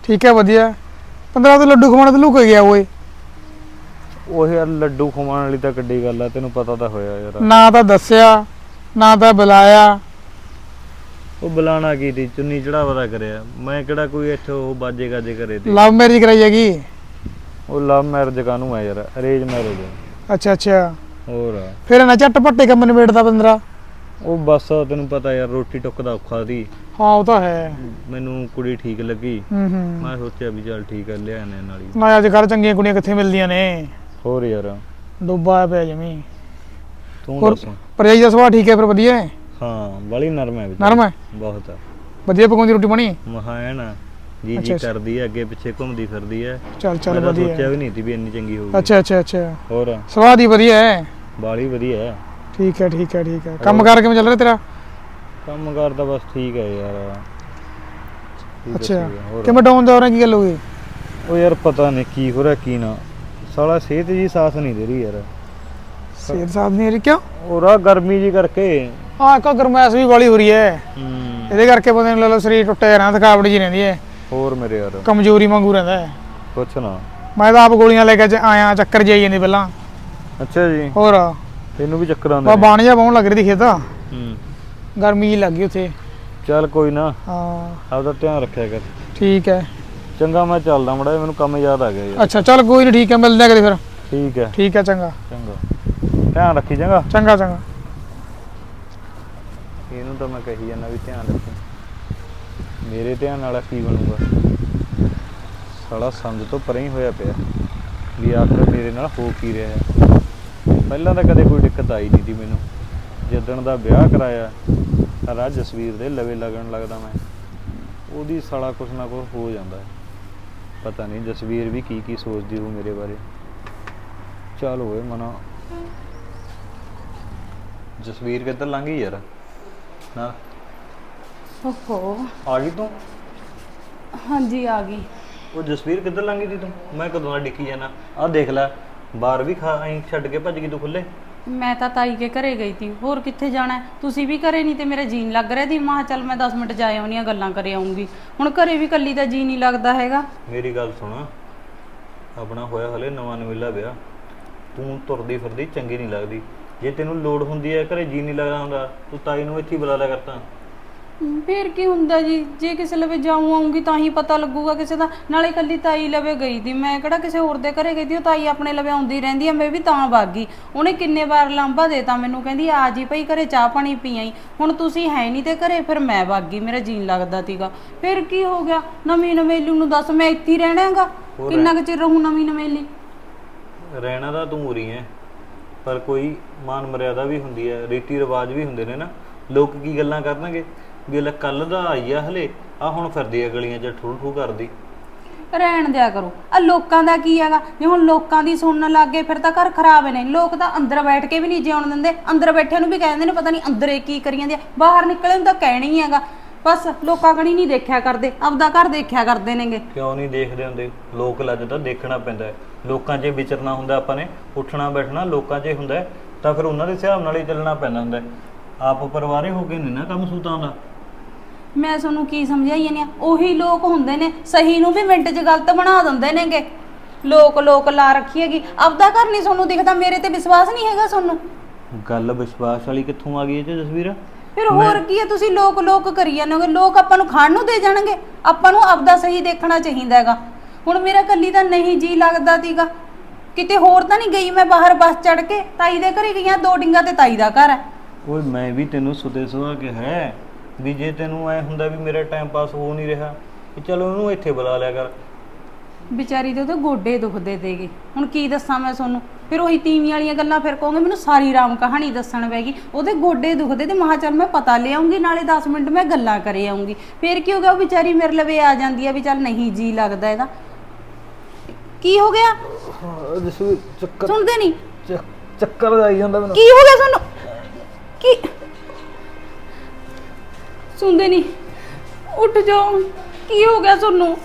S3: ਠੀਕ ਹੈ ਵਧੀਆ। 15 ਤੋਂ ਲੱਡੂ ਖਵਾਉਣਾ ਤੇ ਲੁਕ ਗਿਆ ਓਏ।
S1: ਉਹ ਯਾਰ ਲੱਡੂ ਖਵਾਉਣ ਵਾਲੀ ਤਾਂ ਕਿੱਡੀ ਗੱਲ ਆ, ਤੈਨੂੰ ਪਤਾ ਤਾਂ ਹੋਇਆ ਯਾਰ।
S3: ਨਾ ਤਾਂ ਦੱਸਿਆ ਨਾ ਤਾਂ ਬੁਲਾਇਆ।
S1: ਉਹ ਬੁਲਾਣਾ ਕੀ ਤੀ, ਚੁੰਨੀ ਚੜਾਵਾ ਦਾ ਕਰਿਆ। ਮੈਂ ਕਿਹੜਾ ਕੋਈ ਇੱਥੇ ਉਹ ਬਾਜੇ ਗਾਜੇ ਕਰੇ ਤੇ।
S3: ਲਵ ਮੈਰਿਜ ਕਰਾਈ ਹੈਗੀ?
S1: ਉਹ ਲਵ ਮੈਰਿਜ ਕਾਹਨੂੰ ਆ ਯਾਰ, ਅਰੇਂਜ ਮੈਰਿਜ ਆ।
S3: ਅੱਛਾ ਅੱਛਾ।
S1: ਹੋਰ
S3: ਫਿਰ ਨਾ ਝੱਟ ਪੱਟੇ ਕੰਮ ਨਿਬੇੜਦਾ 15।
S1: ਉਹ ਬਸ ਤੈਨੂੰ ਪਤਾ ਯਾਰ, ਰੋਟੀ ਟੁੱਕ ਦਾ ਔਖਾ ਸੀ।
S3: ਹਾਂ ਉਹ ਤਾਂ ਹੈ।
S1: ਮੈਨੂੰ ਕੁੜੀ ਠੀਕ ਲੱਗੀ,
S3: ਹੂੰ।
S1: ਮੈਂ ਸੋਚਿਆ ਵੀ ਚੱਲ ਠੀਕ ਹੈ, ਲਿਆਣੇ ਨਾਲ ਹੀ।
S3: ਨਾ ਅੱਜ ਕੱਲ੍ਹ ਚੰਗੀਆਂ ਕੁੜੀਆਂ ਕਿੱਥੇ ਮਿਲਦੀਆਂ ਨੇ।
S1: ਹੋਰ ਯਾਰ
S3: ਡੁੱਬਾ ਪਿਆ ਜਮੀ।
S1: ਤੂੰ
S3: ਹੋਰ
S1: ਦੱਸ।
S3: ਭਰਜਾਈ ਦਾ ਸੁਭਾਅ ਠੀਕ ਹੈ ਫਿਰ? ਵਧੀਆ ਹੈ?
S1: ਹਾਂ ਬੜੀ ਨਰਮ ਹੈ।
S3: ਨਰਮ ਹੈ?
S1: ਬਹੁਤ ਆ।
S3: ਵਧੀਆ ਪਕਾਉਂਦੀ ਰੋਟੀ ਪਾਣੀ?
S1: ਮਹਾ ਹੈ ਨਾ ਜੀ
S3: ਅੱਛਾ,
S1: ਜੀ
S3: ਅੱਛਾ।
S1: ਕਰਦੀ ਹੈ, ਅੱਗੇ ਪਿੱਛੇ ਘੁੰਮਦੀ ਫਿਰਦੀ ਹੈ।
S3: ਚੱਲ ਚੱਲ
S1: ਮੈਂ ਤਾਂ
S3: ਵਧੀਆ।
S1: ਸੋਚਿਆ ਵੀ ਨਹੀਂ ਸੀ ਵੀ ਇੰਨੀ ਚੰਗੀ ਹੋਊਗੀ।
S3: ਅੱਛਾ ਅੱਛਾ ਅੱਛਾ।
S1: ਹੋਰ
S3: ਸੁਭਾਅ ਦੀ ਵਧੀਆ ਹੈ?
S1: ਬਾਲੀ ਵਧੀਆ ਹੈ।
S3: ਠੀਕ ਹੈ ਠੀਕ ਹੈ ਠੀਕ ਹੈ। ਕੰਮ ਕਾਰ ਕਿਵੇਂ ਚੱਲ ਰਿਹਾ ਤੇਰਾ?
S1: ਕੰਮ ਕਰਦਾ ਬਸ ਠੀਕ ਹੈ ਯਾਰ। ਕੀ
S3: ਅੱਛਾ
S1: ਦੱਸੀਏ, ਹੋਰ।
S3: ਕਿਵੇਂ ਡਾਊਨ ਜਾ ਰਿਹਾ? ਕੀ ਗੱਲ ਹੋ ਗਈ?
S1: ਉਹ ਯਾਰ ਪਤਾ ਨਹੀਂ ਕੀ ਹੋ ਰਿਹਾ ਕੀ ਨਾ, ਸਾਲਾ ਸਿਹਤ ਜੀ ਸਾਥ ਨਹੀਂ ਦੇ ਰਹੀ ਯਾਰ।
S3: ਸਿਹਤ ਸਾਥ ਨਹੀਂ ਰਹੀ ਕਿਉਂ?
S1: ਹੋਰ ਗਰਮੀ ਜੀ ਕਰਕੇ।
S3: ਹਾਂ ਇੱਕ ਗਰਮੈਸ਼ ਵੀ ਵਾਲੀ ਹੋ ਰਹੀ ਹੈ। ਇਹਦੇ ਕਰਕੇ ਬੰਦੇ ਨੂੰ ਲੈ ਸਰੀਰ ਟੁੱਟਿਆ ਰਹਿੰਦਾ, ਥਕਾਵਟ ਜੀ ਰਹਿੰਦੀ ਹੈ।
S1: ਹੋਰ ਮੇਰੇ ਯਾਰ
S3: ਕਮਜ਼ੋਰੀ ਵਾਂਗੂ ਰਹਿੰਦਾ ਹੈ।
S1: ਕੁਛ ਨਾ।
S3: ਮੈਂ ਤਾਂ ਆਪ ਗੋਲੀਆਂ ਲੈ ਕੇ ਆਇਆ, ਚੱਕਰ ਜਾਈ ਜਾਂਦੀ ਪਹਿਲਾਂ।
S1: ਅੱਛਾ ਜੀ।
S3: ਹੋਰ
S1: ਤੈਨੂੰ ਵੀ ਚੱਕਰ ਆਉਂਦੇ
S3: ਬਾ ਬਾਣ ਜਾ ਪਾਉਣ ਲੱਗ ਰਹੀ ਸੀ ਖੇਤ।
S1: ਹੂੰ।
S3: ਗਰਮੀ ਜੀ ਲੱਗ ਗਈ ਉੱਥੇ।
S1: ਚੱਲ ਕੋਈ ਨਾ,
S3: ਹਾਂ
S1: ਆਪਦਾ ਧਿਆਨ ਰੱਖਿਆ ਕਰ।
S3: ਠੀਕ ਹੈ
S1: ਚੰਗਾ ਮੈਂ ਚੱਲਦਾ ਮੜਾ, ਮੈਨੂੰ ਕੰਮ ਯਾਦ ਆ ਗਿਆ ਯਾਰ।
S3: ਅੱਛਾ ਚੱਲ ਕੋਈ ਨਹੀਂ, ਠੀਕ ਹੈ ਮਿਲਦੇ ਆ ਕਦੇ ਫਿਰ।
S1: ਠੀਕ ਹੈ
S3: ਠੀਕ ਹੈ ਚੰਗਾ
S1: ਚੰਗਾ, ਧਿਆਨ ਰੱਖੀ ਚੰਗਾ।
S3: ਚੰਗਾ ਚੰਗਾ।
S1: ਇਹਨੂੰ ਤਾਂ ਮੈਂ ਕਹੀ ਜਾਂਦਾ ਵੀ ਧਿਆਨ ਰੱਖੀ, ਮੇਰੇ ਧਿਆਨ ਵਾਲਾ ਕੀ ਬਣੂਗਾ। ਸਾਲਾ ਸਮਝ ਤੋਂ ਪਰੇ ਹੀ ਹੋਇਆ ਪਿਆ ਵੀ ਆਖਰ ਮੇਰੇ ਨਾਲ ਹੋ ਕੀ ਰਿਹਾ ਹੈ। ਪਹਿਲਾਂ ਤਾਂ ਕਦੇ ਕੋਈ ਦਿੱਕਤ ਆਈ ਨਹੀਂ ਸੀ ਮੈਨੂੰ, ਜਿੱਦਣ ਦਾ ਵਿਆਹ ਕਰਾਇਆ ਸਾਰਾ ਜਸਵੀਰ ਦੇ ਲਵੇ ਲੱਗਣ ਲੱਗਦਾ ਮੈਂ, ਉਹਦੀ ਸਾਲਾ ਕੁਛ ਨਾ ਕੁਛ ਹੋ ਜਾਂਦਾ। ਪਤਾ ਨਹੀਂ ਜਸਵੀਰ ਵੀ ਕੀ ਕੀ ਸੋਚਦੀ ਹੋਊ ਮੇਰੇ ਬਾਰੇ। ਚੱਲ ਹੋਏ ਮਨਾ। ਜਸਵੀਰ ਕਿੱਧਰ ਲੰਘ ਗਈ ਯਾਰ? ਨਾ
S2: ਓਹੋ
S1: ਆ ਗਈ ਤੂੰ?
S2: ਹਾਂਜੀ ਆ ਗਈ।
S1: ਉਹ ਜਸਵੀਰ ਕਿੱਧਰ ਲੰਘ ਗਈ ਤੀ ਤੂੰ? ਮੈਂ ਕਦੋਂ ਦਾ ਡਿੱਕੀ ਜਾਣਾ। ਆਹ ਦੇਖ ਲੈ ਬਾਹਰ ਵੀ ਐਂ ਛੱਡ ਕੇ ਭੱਜ ਗਈ ਤੂੰ ਖੁੱਲੇ।
S2: ਮੈਂ ਤਾਂ ਤਾਈ ਕੇ ਘਰੇ ਗਈ ਤੀ, ਹੋਰ ਕਿੱਥੇ ਜਾਣਾ ਹੈ? ਤੁਸੀਂ ਵੀ ਘਰੇ ਨਹੀਂ ਤੇ ਮੇਰਾ ਜੀਨ ਲੱਗ ਰਿਹਾ ਦੀ। ਮਾਂ ਚੱਲ ਮੈਂ 10 ਮਿੰਟ ਜਾ ਆਉਣੀਆਂ, ਗੱਲਾਂ ਕਰ ਆਉਂਗੀ। ਹੁਣ ਘਰੇ ਵੀ ਕੱਲੀ ਦਾ ਜੀ ਨਹੀਂ ਲੱਗਦਾ ਹੈਗਾ।
S1: ਮੇਰੀ ਗੱਲ ਸੁਣ, ਆਪਣਾ ਹੋਇਆ ਹਲੇ ਨਵਾਂ ਨਵੇਲਾ ਵਿਆਹ, ਤੂੰ ਤੁਰਦੀ ਫਿਰਦੀ ਚੰਗੀ ਨਹੀਂ ਲੱਗਦੀ। ਜੇ ਤੈਨੂੰ ਲੋੜ ਹੁੰਦੀ ਹੈ ਘਰੇ ਜੀ ਨਹੀਂ ਲੱਗਦਾ ਹੁੰਦਾ, ਤੂੰ ਤਾਈ ਨੂੰ ਇੱਥੇ ਹੀ ਬੁਲਾ ਲਿਆ ਕਰਤਾ।
S2: ਫੇਰ ਕੀ ਹੁੰਦਾ ਜੀ, ਜੇ ਕਿਸੇ ਲਵੇ ਜਾਊਂ ਆਉਂਗੀ ਤਾਂ ਹੀ ਪਤਾ ਲੱਗੂਗਾ ਕਿਸੇ ਦਾ। ਨਾਲੇ ਕੱਲੀ ਤਾਈ ਲਵੇ ਗਈ ਦੀ, ਮੈਂ ਕਿਹੜਾ ਕਿਸੇ ਹੋਰ ਦੇ ਘਰੇ ਗਈ ਦੀ। ਉਹ ਤਾਈ ਆਪਣੇ ਲਵੇ ਆਉਂਦੀ ਰਹਿੰਦੀ ਆ, ਮੈਂ ਵੀ ਤਾਂ ਵਗ ਗਈ। ਉਹਨੇ ਕਿੰਨੇ ਵਾਰ ਲਾਂਭਾ ਦੇਤਾ ਮੈਨੂੰ, ਕਹਿੰਦੀ ਆ ਜੀ ਭਾਈ ਘਰੇ ਚਾਹ ਪਾਣੀ ਪੀ ਆਈ। ਹੁਣ ਤੁਸੀਂ ਹੈ ਨਹੀਂ ਤੇ ਘਰੇ, ਫਿਰ ਮੈਂ ਵਗ ਗਈ, ਮੇਰਾ ਜੀਣ ਲੱਗਦਾ ਤੀਗਾ। ਫਿਰ ਕੀ ਹੋ ਗਿਆ? ਨਵੀਂ ਨਵੇਲੀ ਨੂੰ ਦੱਸ, ਮੈਂ ਇੱਥੇ ਹੀ ਰਹਿਣਾਗਾ? ਕਿੰਨਾ ਕੁ ਚਿਰ ਰਹੂੰ ਨਵੀਂ ਨਵੇਲੀ?
S1: ਰਹਿਣਾ ਤਾਂ ਤੂੰ ਉਰੀ ਹੈ, ਪਰ ਕੋਈ ਮਾਨ ਮਰਿਆਦਾ ਵੀ ਹੁੰਦੀ ਹੈ, ਰੀਤੀ ਰਿਵਾਜ ਵੀ ਹੁੰਦੇ ਨੇ ਨਾ। ਲੋਕ ਕੀ ਗੱਲਾਂ ਕਰਨਗੇ ਵੀ ਲੈ ਕੱਲ ਦਾ ਆਈ ਆ ਹਲੇ, ਆ ਹੁਣ ਫਿਰਦੀ ਆ ਗਲੀਆਂ 'ਚ ਠੂ ਠੂ ਕਰਦੀ।
S2: ਰਹਿਣ ਦਿਆ ਕਰੋ। ਆ ਲੋਕਾਂ ਦਾ ਕੀ ਹੈਗਾ? ਜੇ ਹੁਣ ਲੋਕਾਂ ਦੀ ਸੁਣਨ ਲੱਗ ਗਏ ਫਿਰ ਤਾਂ ਘਰ ਖਰਾਬ ਨੇ। ਲੋਕ ਤਾਂ ਅੰਦਰ ਬੈਠ ਕੇ ਵੀ ਨਹੀਂ ਜਿਉਣ ਦਿੰਦੇ, ਅੰਦਰ ਬੈਠਿਆਂ ਨੂੰ ਵੀ ਕਹਿੰਦੇ ਨੇ ਪਤਾ ਨਹੀਂ ਅੰਦਰ ਕੀ ਕਰੀ ਜਾਂਦੇ ਆ। ਬਾਹਰ ਨਿਕਲੇ ਨੂੰ ਤਾਂ ਕਹਿਣਾ ਹੀ ਹੈਗਾ। ਬਸ ਲੋਕਾਂ ਕਣੀ ਨਹੀਂ ਦੇਖਿਆ ਕਰਦੇ, ਆਪਦਾ ਘਰ ਦੇਖਿਆ ਕਰਦੇ ਨੇਗੇ।
S1: ਕਿਉਂ ਨਹੀਂ ਦੇਖਦੇ ਹੁੰਦੇ? ਲੋਕ ਲੱਜ ਤਾਂ ਦੇਖਣਾ ਪੈਂਦਾ ਹੈ। ਲੋਕਾਂ 'ਚ ਵਿਚਰਨਾ ਹੁੰਦਾ, ਆਪਾਂ ਨੇ ਉੱਠਣਾ ਬੈਠਣਾ ਲੋਕਾਂ 'ਚ ਹੁੰਦਾ, ਤਾਂ ਫਿਰ ਉਹਨਾਂ ਦੇ ਹਿਸਾਬ ਨਾਲ ਹੀ ਚੱਲਣਾ ਪੈਂਦਾ ਹੁੰਦਾ। ਆਪ ਪਰਿਵਾਰੇ ਹੋ ਕੇ ਨਹੀਂ ਨਾ ਕੰਮ ਸੂਤਾਂ ਦਾ।
S2: ਮੈਂ ਤੁਹਾਨੂੰ ਕੀ ਸਮਝਾਈ ਜਾਂਦੀ ਆ? ਉਹੀ ਲੋਕ ਹੁੰਦੇ ਨੇ, ਸਹੀ ਨੂੰ ਵੀ ਮਿੰਟ 'ਚ ਗਲਤ ਬਣਾ ਦਿੰਦੇ ਨੇਗੇ। ਲੋਕ ਲਾ ਰੱਖੀ ਹੈਗੀ। ਆਪਦਾ ਘਰ ਨਹੀਂ ਤੁਹਾਨੂੰ ਦਿਖਦਾ, ਮੇਰੇ ਤੇ ਵਿਸ਼ਵਾਸ ਨਹੀਂ ਹੈਗਾ ਤੁਹਾਨੂੰ?
S1: ਗੱਲ ਵਿਸ਼ਵਾਸ ਵਾਲੀ ਕਿੱਥੋਂ ਆ ਗਈ ਇਹ 'ਚ ਜਸਵੀਰ?
S2: ਫਿਰ ਹੋਰ ਕੀ ਹੈ? ਤੁਸੀਂ ਲੋਕ ਕਰੀ ਜਾਂਦੇ ਹੋਗੇ। ਲੋਕ ਆਪਾਂ ਨੂੰ ਖਾਣ ਨੂੰ ਦੇ ਜਾਣਗੇ? ਆਪਾਂ ਨੂੰ ਆਪਦਾ ਸਹੀ ਦੇਖਣਾ ਚਾਹੀਦਾ ਹੈਗਾ। ਹੁਣ ਮੇਰਾ ਕੱਲੀ ਤਾਂ ਨਹੀਂ ਜੀ ਲੱਗਦਾ ਤੀਗਾ, ਕਿਤੇ ਹੋਰ ਤਾਂ ਨਹੀਂ ਗਈ ਮੈਂ ਬਾਹਰ ਬੱਸ ਚੜ ਕੇ। ਤਾਈ ਦੇ ਘਰੇ ਗਈਆਂ, 2 ਡਿੰਗਾ ਤੇ ਤਾਈ ਦਾ ਘਰ ਹੈ।
S1: ਓਏ ਮੈਂ ਵੀ ਤੈਨੂੰ ਸੁਦੇ ਸੁਹਾ ਕੇ ਹੈ ਵੀ ਜੇ ਤੈਨੂੰ ਐ ਹੁੰਦਾ ਵੀ ਮੇਰਾ ਟਾਈਮ ਪਾਸ ਹੋ ਨਹੀਂ ਰਿਹਾ, ਕਿ ਚਲੋ ਉਹਨੂੰ ਇੱਥੇ ਬੁਲਾ ਲਿਆ ਕਰ।
S2: ਵਿਚਾਰੀ ਦੇ ਉਹਦੇ ਗੋਡੇ ਦੁਖਦੇ ਤੇਗੇ, ਹੁਣ ਕੀ ਦੱਸਾਂ ਮੈਂ ਤੁਹਾਨੂੰ? ਫਿਰ ਉਹੀ ਤੀਵੀਂ ਵਾਲੀਆਂ ਗੱਲਾਂ, ਫਿਰ ਕਹੋਗੇ ਮੈਨੂੰ ਸਾਰੀ ਰਾਮ ਕਹਾਣੀ ਦੱਸਣ ਪੈਗੀ। ਉਹਦੇ ਗੋਡੇ ਦੁਖਦੇ ਤੇ ਮਹਾ ਚੱਲ ਮੈਂ ਪਤਾ ਲਿਆਉਂਗੀ, ਨਾਲੇ 10 ਮਿੰਟ ਮੈਂ ਗੱਲਾਂ ਕਰੇ ਆਉਂਗੀ। ਫਿਰ ਕੀ ਹੋ ਗਿਆ? ਉਹ ਵਿਚਾਰੀ ਮੇਰੇ ਲਵੇ ਆ ਜਾਂਦੀ ਆ ਵੀ ਚੱਲ ਨਹੀਂ ਜੀ ਲੱਗਦਾ ਇਹਦਾ। ਕੀ ਹੋ ਗਿਆ?
S1: ਚੱਕਰ
S2: ਸੁਣਦੇ ਨਹੀਂ?
S1: ਚੱਕਰ ਆਈ ਜਾਂਦਾ ਮੈਨੂੰ।
S2: ਕੀ ਹੋ ਗਿਆ ਤੁਹਾਨੂੰ? ਕੀ ਸੁਣਦੇ ਨਹੀਂ? ਉੱਠ ਜਾਓ, ਕੀ ਹੋ ਗਿਆ ਤੁਹਾਨੂੰ?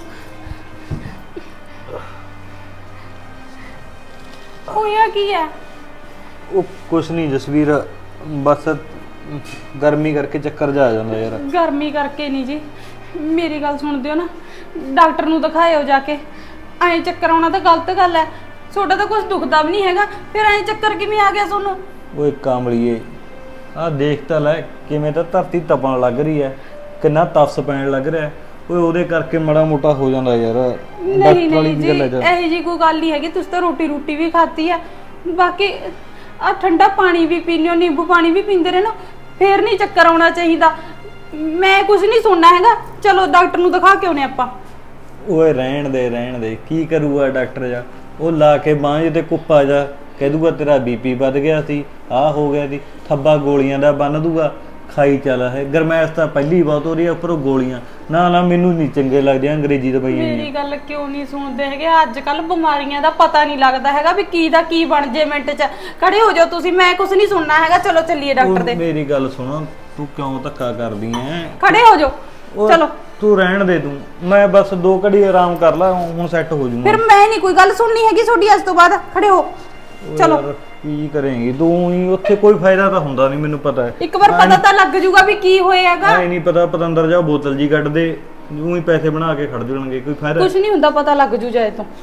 S2: ਹੋਇਆ ਕੀ ਹੈ?
S1: ਉਹ ਕੁਛ ਨਹੀਂ ਜਸਵੀਰ, ਬਸ ਗਰਮੀ ਕਰਕੇ ਚੱਕਰ ਜਾ ਆ ਜਾਂਦਾ ਯਾਰ।
S2: ਗਰਮੀ ਕਰਕੇ ਨਹੀਂ ਜੀ, ਮੇਰੀ ਗੱਲ ਸੁਣਦੇ ਹੋ ਨਾ? ਡਾਕਟਰ ਨੂੰ ਦਿਖਾਇਓ ਜਾ ਕੇ। ਐਂ ਚੱਕਰ ਆਉਣਾ ਤਾਂ ਗਲਤ ਗੱਲ ਹੈ। ਤੁਹਾਡਾ ਤਾਂ ਕੁਝ ਦੁਖਦਾ ਵੀ ਨਹੀਂ ਹੈਗਾ, ਫਿਰ ਐਂ ਚੱਕਰ ਕਿਵੇਂ ਆ ਗਿਆ ਤੁਹਾਨੂੰ?
S1: ਓਏ ਕਾਮਲੀਏ, ਆਹ ਦੇਖ ਤਾਂ ਲੈ ਕਿਵੇਂ ਤਾਂ ਧਰਤੀ ਤਪਣ ਲੱਗ ਰਹੀ ਹੈ, ਕਿੰਨਾ ਤਪਸ ਪੈਣ ਲੱਗ ਰਿਹਾ ਹੈ। ਓਏ ਉਹਦੇ ਕਰਕੇ ਮਾੜਾ ਮੋਟਾ ਹੋ ਜਾਂਦਾ ਯਾਰ।
S2: ਨਹੀਂ
S1: ਡਾਕਟਰ ਵਾਲੀ
S2: ਨਹੀਂ
S1: ਕੀ
S2: ਜੀ,
S1: ਗੱਲ ਹੈ ਯਾਰ?
S2: ਇਹੋ ਜੀ ਕੋਈ ਗੱਲ ਨਹੀਂ ਹੈਗੀ। ਤੁਸੀਂ ਤਾਂ ਰੋਟੀ ਵੀ ਖਾਤੀ ਹੈ। ਬਾਕੀ ਆ ਠੰਡਾ ਪਾਣੀ ਵੀ ਪੀਂਦੇ ਹੋ, ਨਿੰਬੂ ਪਾਣੀ ਵੀ ਪੀਂਦੇ ਰਹਿਣਾ, ਫੇਰ ਨਹੀਂ ਚੱਕਰ ਆਉਣਾ ਚਾਹੀਦਾ। ਮੈਂ ਕੁਝ ਨਹੀਂ ਸੁਣਨਾ ਹੈਗਾ। ਚਲੋ ਡਾਕਟਰ ਨੂੰ ਦਿਖਾ ਕੇ ਆਉਨੇ ਆਪਾਂ।
S1: ਓਏ ਰਹਿਣ ਦੇ, ਕੀ ਕਰੂਗਾ ਡਾਕਟਰ ਜਾ? ਉਹ ਲਾ ਕੇ ਬਾਂਹ ਤੇ ਕੁੱਪਾ ਜਾ ਕਹਿ ਦੂਗਾ ਤੇਰਾ ਬੀਪੀ ਵੱਧ ਗਿਆ ਸੀ, ਆਹ ਹੋ ਗਿਆ ਸੀ, ਥੱਬਾ ਗੋਲੀਆਂ ਦਾ ਬੰਨ ਦੂਗਾ, ਖਾਈ ਚੱਲ। ਹੈ ਗਰਮੈਸ਼ ਤਾਂ ਪਹਿਲੀ ਬਹੁਤ ਹੋ ਰਹੀ ਹੈ, ਉੱਪਰੋਂ ਗੋਲੀਆਂ। ਨਾ ਮੈਨੂੰ ਨਹੀਂ ਚੰਗੇ ਲੱਗਦੇ ਅੰਗਰੇਜ਼ੀ ਦਵਾਈਆਂ।
S2: ਮੇਰੀ ਗੱਲ ਕਿਉਂ ਨਹੀਂ ਸੁਣਦੇ ਹੈਗੇ? ਅੱਜ ਕੱਲ ਬਿਮਾਰੀਆਂ ਦਾ ਪਤਾ ਨਹੀਂ ਲੱਗਦਾ ਹੈਗਾ ਵੀ ਕੀ ਦਾ ਕੀ ਬਣ ਜੇ ਮਿੰਟ 'ਚ। ਖੜੇ ਹੋ ਜਾਓ ਤੁਸੀਂ, ਮੈਂ ਕੁਝ ਨਹੀਂ ਸੁਣਨਾ ਹੈਗਾ। ਚਲੋ ਚੱਲੀਏ ਡਾਕਟਰ ਦੇ।
S1: ਮੇਰੀ ਗੱਲ ਸੁਣ, ਤੂੰ ਕਿਉਂ ਧੱਕਾ ਕਰਦੀ ਐ?
S2: ਖੜੇ ਹੋ ਜਾਓ, ਚਲੋ।
S1: ਤੂੰ ਰਹਿਣ ਦੇ, ਤੂੰ ਮੈਂ ਬਸ 2 ਘੜੀ ਆਰਾਮ ਕਰ ਲਾ, ਹੁਣ ਸੈੱਟ ਹੋ ਜਾਊਂਗਾ।
S2: ਫਿਰ ਮੈਂ ਨਹੀਂ ਕੋਈ ਗੱਲ ਸੁਣਨੀ ਹੈਗੀ ਤੁਹਾਡੀ ਅੱਜ ਤੋਂ ਬਾਅਦ। ਖੜੇ ਹੋ, ਚਲੋ।
S1: ਯਾਰ ਕੀ ਕਰੇਂਗੀ ਤੂੰ? ਹੀ ਉੱਥੇ ਕੋਈ ਫਾਇਦਾ ਤਾਂ ਹੁੰਦਾ ਨਹੀਂ, ਮੈਨੂੰ ਪਤਾ ਹੈ।
S2: ਇੱਕ ਵਾਰ ਪਤਾ ਤਾਂ ਲੱਗ ਜੂਗਾ ਵੀ ਕੀ ਹੋਏਗਾ।
S1: ਐ ਨਹੀਂ ਪਤਾ, ਪਤੰਦਰ ਜਾ ਬੋਤਲ ਜੀ ਕੱਢ ਦੇ, ਊਂ ਹੀ ਪੈਸੇ ਬਣਾ ਕੇ ਖੜ ਜਾਣਗੇ, ਕੋਈ ਫਾਇਦਾ?
S2: ਕੁਝ ਨਹੀਂ ਹੁੰਦਾ, ਪਤਾ ਲੱਗ ਜੂ ਜਾਏ ਤੋਂ।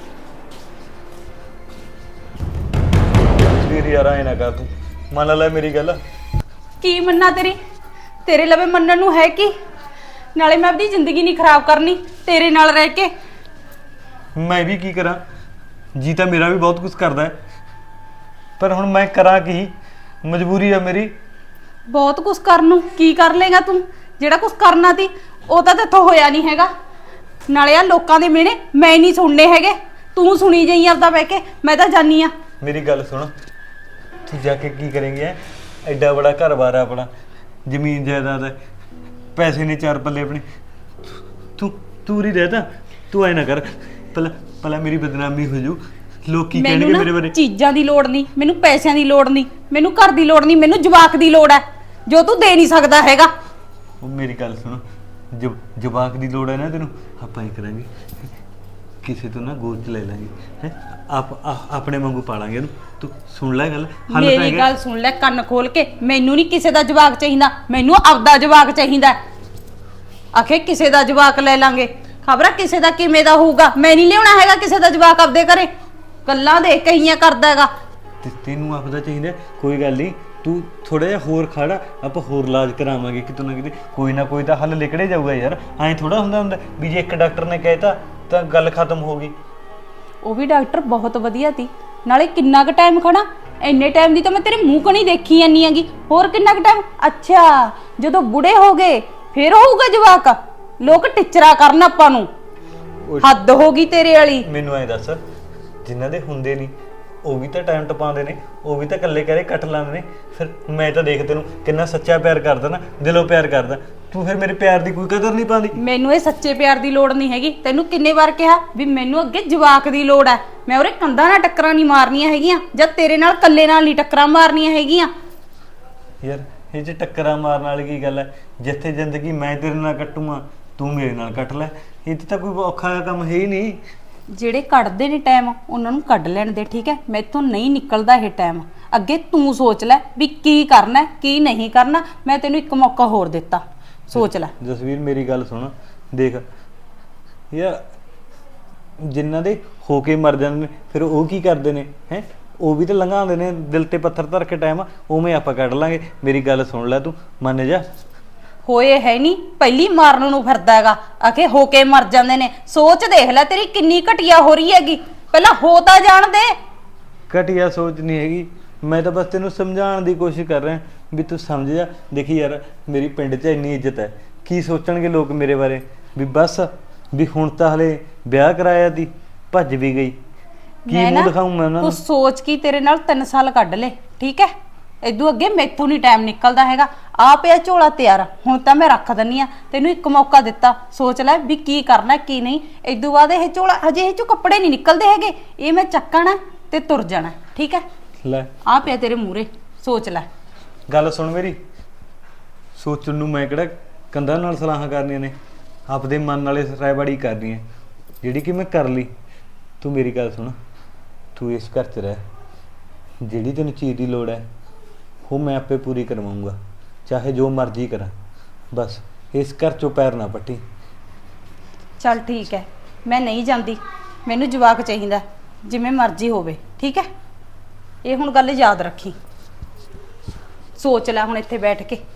S1: ਵੀਰ ਯਾਰ ਐ ਨਾ ਕਰ, ਤੂੰ ਮੰਨ ਲੈ ਮੇਰੀ ਗੱਲ।
S2: ਕੀ ਮੰਨਾਂ ਤੇਰੀ? ਤੇਰੇ ਲਵੇ ਮੰਨਣ ਨੂੰ ਹੈ ਕੀ? ਨਾਲੇ ਮੈਂ ਆਪਣੀ ਜ਼ਿੰਦਗੀ ਨਹੀਂ ਖਰਾਬ ਕਰਨੀ ਤੇਰੇ ਨਾਲ ਰਹਿ ਕੇ।
S1: ਮੈਂ ਵੀ ਕੀ ਕਰਾਂ? ਜੀ ਤਾਂ ਮੇਰਾ ਵੀ ਬਹੁਤ ਕੁਝ ਕਰਦਾ ਹੈ, ਪਰ ਹੁਣ ਮੈਂ ਕਰਾਂ ਕੀ? ਮਜਬੂਰੀ ਆ ਮੇਰੀ।
S2: ਬਹੁਤ ਕੁਝ ਕਰਨ ਨੂੰ ਕੀ ਕਰ ਲੇਗਾ ਤੂੰ? ਜਿਹੜਾ ਕੁਝ ਕਰਨਾ ਸੀ ਉਹ ਤਾਂ ਤੇਥੋਂ ਹੋਇਆ ਨਹੀਂ ਹੈਗਾ। ਨਾਲੇ ਆ ਲੋਕਾਂ ਦੇ ਮਿਹਣੇ ਮੈਂ ਨਹੀਂ ਸੁਣਨੇ ਹੈਗੇ, ਤੂੰ ਸੁਣੀ ਜਾਈ ਆਪਦਾ ਬਹਿ ਕੇ। ਮੈਂ ਤਾਂ ਜਾਨੀ ਆ।
S1: ਮੇਰੀ ਗੱਲ ਸੁਣ, ਤੂੰ ਜਾ ਕੇ ਕੀ ਕਰੇਂਗੀ? ਐ ਐਡਾ ਬੜਾ ਘਰ-ਬਾਰ ਆ ਆਪਣਾ, ਜ਼ਮੀਨ ਜਾਇਦਾਦ ਹੈ, ਪੈਸੇ ਨੇ 4 ਪੱਲੇ ਆਪਣੇ। ਤੂੰ ਹੀ ਰਹਿ ਤਾਂ। ਤੂੰ ਐ ਨਾ ਕਰ, ਪਹਿਲਾਂ ਮੇਰੀ ਬਦਨਾਮੀ ਹੋ ਜੂ, ਲੋਕ ਕੀ ਕਹਿਣਗੇ ਮੇਰੇ ਬਾਰੇ?
S2: ਚੀਜ਼ਾਂ ਦੀ ਲੋੜ ਨਹੀਂ ਮੈਨੂੰ, ਪੈਸਿਆਂ ਦੀ ਲੋੜ ਨਹੀਂ ਮੈਨੂੰ, ਘਰ ਦੀ ਲੋੜ ਨਹੀਂ ਮੈਨੂੰ, ਜਵਾਕ ਦੀ ਲੋੜ ਹੈ ਜੋ ਤੂੰ ਦੇ ਨਹੀਂ ਸਕਦਾ ਹੈਗਾ।
S1: ਉਹ ਮੇਰੀ ਗੱਲ ਸੁਣ, ਜਵਾਕ ਦੀ ਲੋੜ ਹੈ ਨਾ ਤੈਨੂੰ, ਆਪਾਂ ਇਹ ਕਰਾਂਗੇ, ਕਿਸੇ ਤੋਂ ਨਾ ਗੋਦ ਚ ਲੈ ਲਾਂਗੇ, ਹੈ ਆਪਣੇ ਵਾਂਗੂ ਪਾਲਾਂਗੇ ਇਹਨੂੰ। ਤੂੰ ਸੁਣ ਲੈ ਗੱਲ,
S2: ਮੇਰੀ ਗੱਲ ਸੁਣ ਲੈ ਕੰਨ ਖੋਲ ਕੇ। ਮੈਨੂੰ ਨਹੀਂ ਕਿਸੇ ਦਾ ਜਵਾਕ ਚਾਹੀਦਾ, ਮੈਨੂੰ ਆਪਦਾ ਜਵਾਕ ਚਾਹੀਦਾ। ਆਖੇ ਕਿਸੇ ਦਾ ਜਵਾਕ ਲੈ ਲਾਂਗੇ, ਖਬਰ ਕਿਸੇ ਦਾ ਕਿਵੇਂ ਦਾ ਹੋਊਗਾ। ਮੈਂ ਨਹੀਂ ਲਿਆਉਣਾ ਹੈਗਾ ਕਿਸੇ ਦਾ ਜਵਾਕ ਆਪਦੇ ਘਰੇ। ਗੱਲਾਂ ਦੇਖ ਕਹੀਆਂ ਕਰਦਾ ਹੈਗਾ।
S1: ਤੈਨੂੰ ਆਪਦਾ ਚਾਹੀਦਾ, ਕੋਈ ਗੱਲ ਨਹੀਂ, ਤੂੰ ਥੋੜਾ ਜਿਹਾ ਹੋਰ ਖੜਾ, ਆਪਾਂ ਹੋਰ ਇਲਾਜ ਕਰਾਵਾਂਗੇ ਕਿਤੋਂ ਨਾ ਕਿਤੇ, ਕੋਈ ਨਾ ਕੋਈ ਤਾਂ ਹੱਲ ਨਿਕਲੇ ਜਾਊਗਾ ਯਾਰ। ਐਂ ਥੋੜਾ ਹੁੰਦਾ ਵੀ ਜੇ ਇੱਕ ਡਾਕਟਰ ਨੇ ਕਹਿਤਾ ਤਾਂ ਗੱਲ ਖਤਮ ਹੋ ਗਈ।
S2: ਉਹ ਵੀ ਡਾਕਟਰ ਬਹੁਤ ਵਧੀਆ ਸੀ, ਨਾਲੇ ਕਿੰਨਾ ਕੁ ਟਾਈਮ ਖੜਾ? ਇੰਨੇ ਟਾਈਮ ਦੀ ਤਾਂ ਮੈਂ ਤੇਰੇ ਮੂੰਹ ਕਣੀ ਦੇਖੀ ਜਾਂਦੀ ਆਂਗੀ। ਹੋਰ ਕਿੰਨਾ ਕੁ ਟਾਈਮ? ਅੱਛਾ, ਜਦੋਂ ਬੁੜੇ ਹੋ ਗਏ ਫੇਰ ਹੋਊਗਾ ਜਵਾਕ? ਲੋਕ ਟਿਚਰਾ ਕਰਨ ਆਪਾਂ ਨੂੰ, ਹੱਦ ਹੋ ਗਈ ਤੇਰੇ ਵਾਲੀ।
S1: ਮੈਨੂੰ ਐਂ ਦੱਸ, ਜਿਨ੍ਹਾਂ ਦੇ ਹੁੰਦੇ ਨਹੀਂ ਉਹ ਵੀ ਤਾਂ ਟਾਈਮ ਟਪਾਉਂਦੇ ਨੇ, ਉਹ ਵੀ ਤਾਂ ਇਕੱਲੇ ਕਰੇ ਕੱਟ ਲਾਉਂਦੇ ਨੇ। ਫਿਰ ਮੈਂ ਤਾਂ ਦੇਖ ਤੈਨੂੰ ਕਿੰਨਾ ਸੱਚਾ ਪਿਆਰ ਕਰਦਾ ਨਾ, ਦਿਲੋਂ ਪਿਆਰ ਕਰਦਾ, ਤੂੰ ਫਿਰ ਮੇਰੇ ਪਿਆਰ ਦੀ ਕੋਈ ਕਦਰ ਨਹੀਂ ਪਾਉਂਦੀ।
S2: ਮੈਨੂੰ ਇਹ ਸੱਚੇ ਪਿਆਰ ਦੀ ਲੋੜ ਨਹੀਂ ਹੈਗੀ। ਤੈਨੂੰ ਕਿੰਨੇ ਵਾਰ ਕਿਹਾ ਵੀ ਮੈਨੂੰ ਅੱਗੇ ਜਵਾਕ ਦੀ ਲੋੜ ਹੈ। ਮੈਂ ਉਹਰੇ ਕੰਧਾਂ ਨਾਲ ਟੱਕਰਾਂ ਨਹੀਂ ਮਾਰਨੀਆਂ ਹੈਗੀਆਂ, ਜਦ ਤੇਰੇ ਨਾਲ ਇਕੱਲੇ ਨਾਲ ਨਹੀਂ ਟੱਕਰਾਂ ਮਾਰਨੀਆਂ ਹੈਗੀਆਂ।
S1: ਯਾਰ ਇਹ 'ਚ ਟੱਕਰਾਂ ਮਾਰਨ ਵਾਲੀ ਕੀ ਗੱਲ ਹੈ? ਜਿੱਥੇ ਜ਼ਿੰਦਗੀ ਮੈਂ ਤੇਰੇ ਨਾਲ ਕੱਟੂਆਂ, ਤੂੰ ਮੇਰੇ ਨਾਲ ਕੱਟ ਲੈ। ਇਹ 'ਚ ਤਾਂ ਕੋਈ ਔਖਾ ਜਿਹਾ ਕੰਮ ਹੈ ਹੀ ਨਹੀਂ।
S2: ਜਿਹੜੇ ਕੱਢਦੇ ਨੇ ਟਾਈਮ ਉਹਨਾਂ ਨੂੰ ਕੱਢ ਲੈਣ ਦੇ, ਠੀਕ ਹੈ? ਮੈਥੋਂ ਨਹੀਂ ਨਿਕਲਦਾ ਇਹ ਟਾਈਮ। ਅੱਗੇ ਤੂੰ ਸੋਚ ਲੈ ਵੀ ਕੀ ਕਰਨਾ ਕੀ ਨਹੀਂ ਕਰਨਾ। ਮੈਂ ਤੈਨੂੰ ਇੱਕ ਮੌਕਾ ਹੋਰ ਦਿੱਤਾ, ਸੋਚ ਲੈ।
S1: ਜਸਵੀਰ ਮੇਰੀ ਗੱਲ ਸੁਣ, ਦੇਖ ਯਾਰ, ਜਿਨ੍ਹਾਂ ਦੇ ਹੋ ਕੇ ਮਰ ਜਾਂਦੇ ਨੇ ਫਿਰ ਉਹ ਕੀ ਕਰਦੇ ਨੇ? ਹੈ ਉਹ ਵੀ ਤਾਂ ਲੰਘਾਉਂਦੇ ਨੇ ਦਿਲ ਤੇ ਪੱਥਰ ਧਰ ਕੇ ਟਾਈਮ, ਉਵੇਂ ਆਪਾਂ ਕੱਢ ਲਾਂਗੇ। ਮੇਰੀ ਗੱਲ ਸੁਣ ਲੈ, ਤੂੰ ਮੰਨ ਜਾ।
S2: ਹੋਏ ਹੈ ਨਹੀਂ, ਪਹਿਲੀ ਮਾਰਨ ਨੂੰ ਫਿਰਦਾ ਹੈਗਾ। ਆਖੇ ਹੋ ਕੇ ਮਰ ਜਾਂਦੇ ਨੇ। ਸੋਚ ਦੇਖ ਲੈ ਤੇਰੀ ਕਿੰਨੀ ਘਟੀਆ ਹੋ ਰਹੀ ਹੈਗੀ। ਪਹਿਲਾਂ ਹੋ ਤਾਂ ਜਾਣ ਦੇ।
S1: ਘਟੀਆ ਸੋਚ ਨਹੀਂ ਹੈਗੀ, ਮੈਂ ਤਾਂ ਬਸ ਤੈਨੂੰ ਸਮਝਾਉਣ ਦੀ ਕੋਸ਼ਿਸ਼ ਕਰ ਰਿਹਾ ਵੀ ਤੂੰ ਸਮਝ ਜਾ। ਦੇਖੀ ਯਾਰ, ਮੇਰੀ ਪਿੰਡ 'ਚ ਇੰਨੀ ਇੱਜ਼ਤ ਹੈ, ਕੀ ਸੋਚਣਗੇ ਲੋਕ ਮੇਰੇ ਬਾਰੇ? ਵੀ ਬਸ ਵੀ ਹੁਣ ਤਾਂ ਹਲੇ ਵਿਆਹ ਕਰਾਇਆ ਤੀ, ਭੱਜ ਵੀ ਗਈ, ਕੀ ਮੂੰਹ ਦਿਖਾਊਂ ਮੈਂ ਉਹਨਾਂ ਨੂੰ?
S2: ਤੂੰ ਸੋਚ ਕੀ ਤੇਰੇ ਨਾਲ 3 ਸਾਲ ਕੱਢ ਲੈ, ਠੀਕ ਹੈ? ਇਦੋਂ ਅੱਗੇ ਮੈਥੋਂ ਨਹੀਂ ਟਾਈਮ ਨਿਕਲਦਾ ਹੈਗਾ। ਆ ਪਿਆ ਝੋਲਾ ਤਿਆਰ, ਹੁਣ ਤਾਂ ਮੈਂ ਰੱਖ ਦਿੰਨੀ ਆ। ਤੈਨੂੰ ਇੱਕ ਮੌਕਾ ਦਿੱਤਾ, ਸੋਚ ਲੈ ਵੀ ਕੀ ਕਰਨਾ ਕੀ ਨਹੀਂ। ਇਦੋਂ ਬਾਅਦ ਇਹ ਝੋਲਾ, ਹਜੇ ਇਹ ਚੋਂ ਕੱਪੜੇ ਨਹੀਂ ਨਿਕਲਦੇ ਹੈਗੇ, ਇਹ ਮੈਂ ਚੱਕਣਾ ਤੇ ਤੁਰ ਜਾਣਾ, ਠੀਕ ਹੈ?
S1: ਲੈ
S2: ਆ ਪਿਆ ਤੇਰੇ ਮੂਹਰੇ, ਸੋਚ ਲੈ।
S1: ਗੱਲ ਸੁਣ ਮੇਰੀ, ਸੋਚਣ ਨੂੰ ਮੈਂ ਕਿਹੜਾ ਕੰਧਾਂ ਨਾਲ ਸਲਾਹਾਂ ਕਰਨੀਆਂ ਨੇ, ਆਪਦੇ ਮਨ ਨਾਲੇ ਰਾਇਬਾੜੀ ਕਰਨੀ ਹੈ, ਜਿਹੜੀ ਕਿ ਮੈਂ ਕਰ ਲਈ। ਤੂੰ ਮੇਰੀ ਗੱਲ ਸੁਣ, ਤੂੰ ਇਸ ਘਰ 'ਚ ਰਹਿ, ਜਿਹੜੀ ਤੈਨੂੰ ਚੀਜ਼ ਦੀ ਲੋੜ ਹੈ ਉਹ ਮੈਂ ਆਪੇ ਪੂਰੀ ਕਰਵਾਊਂਗਾ, ਚਾਹੇ ਜੋ ਮਰਜ਼ੀ ਕਰਾਂ। ਬਸ ਇਸ ਘਰ 'ਚੋਂ ਪੈਰ ਨਾ ਪੱਟੀ।
S2: ਚੱਲ ਠੀਕ ਹੈ, ਮੈਂ ਨਹੀਂ ਜਾਂਦੀ, ਮੈਨੂੰ ਜਵਾਕ ਚਾਹੀਦਾ, ਜਿਵੇਂ ਮਰਜ਼ੀ ਹੋਵੇ, ਠੀਕ ਹੈ। ਇਹ ਹੁਣ ਗੱਲ ਯਾਦ ਰੱਖੀ, ਸੋਚ ਲੈ ਹੁਣ ਇੱਥੇ ਬੈਠ ਕੇ।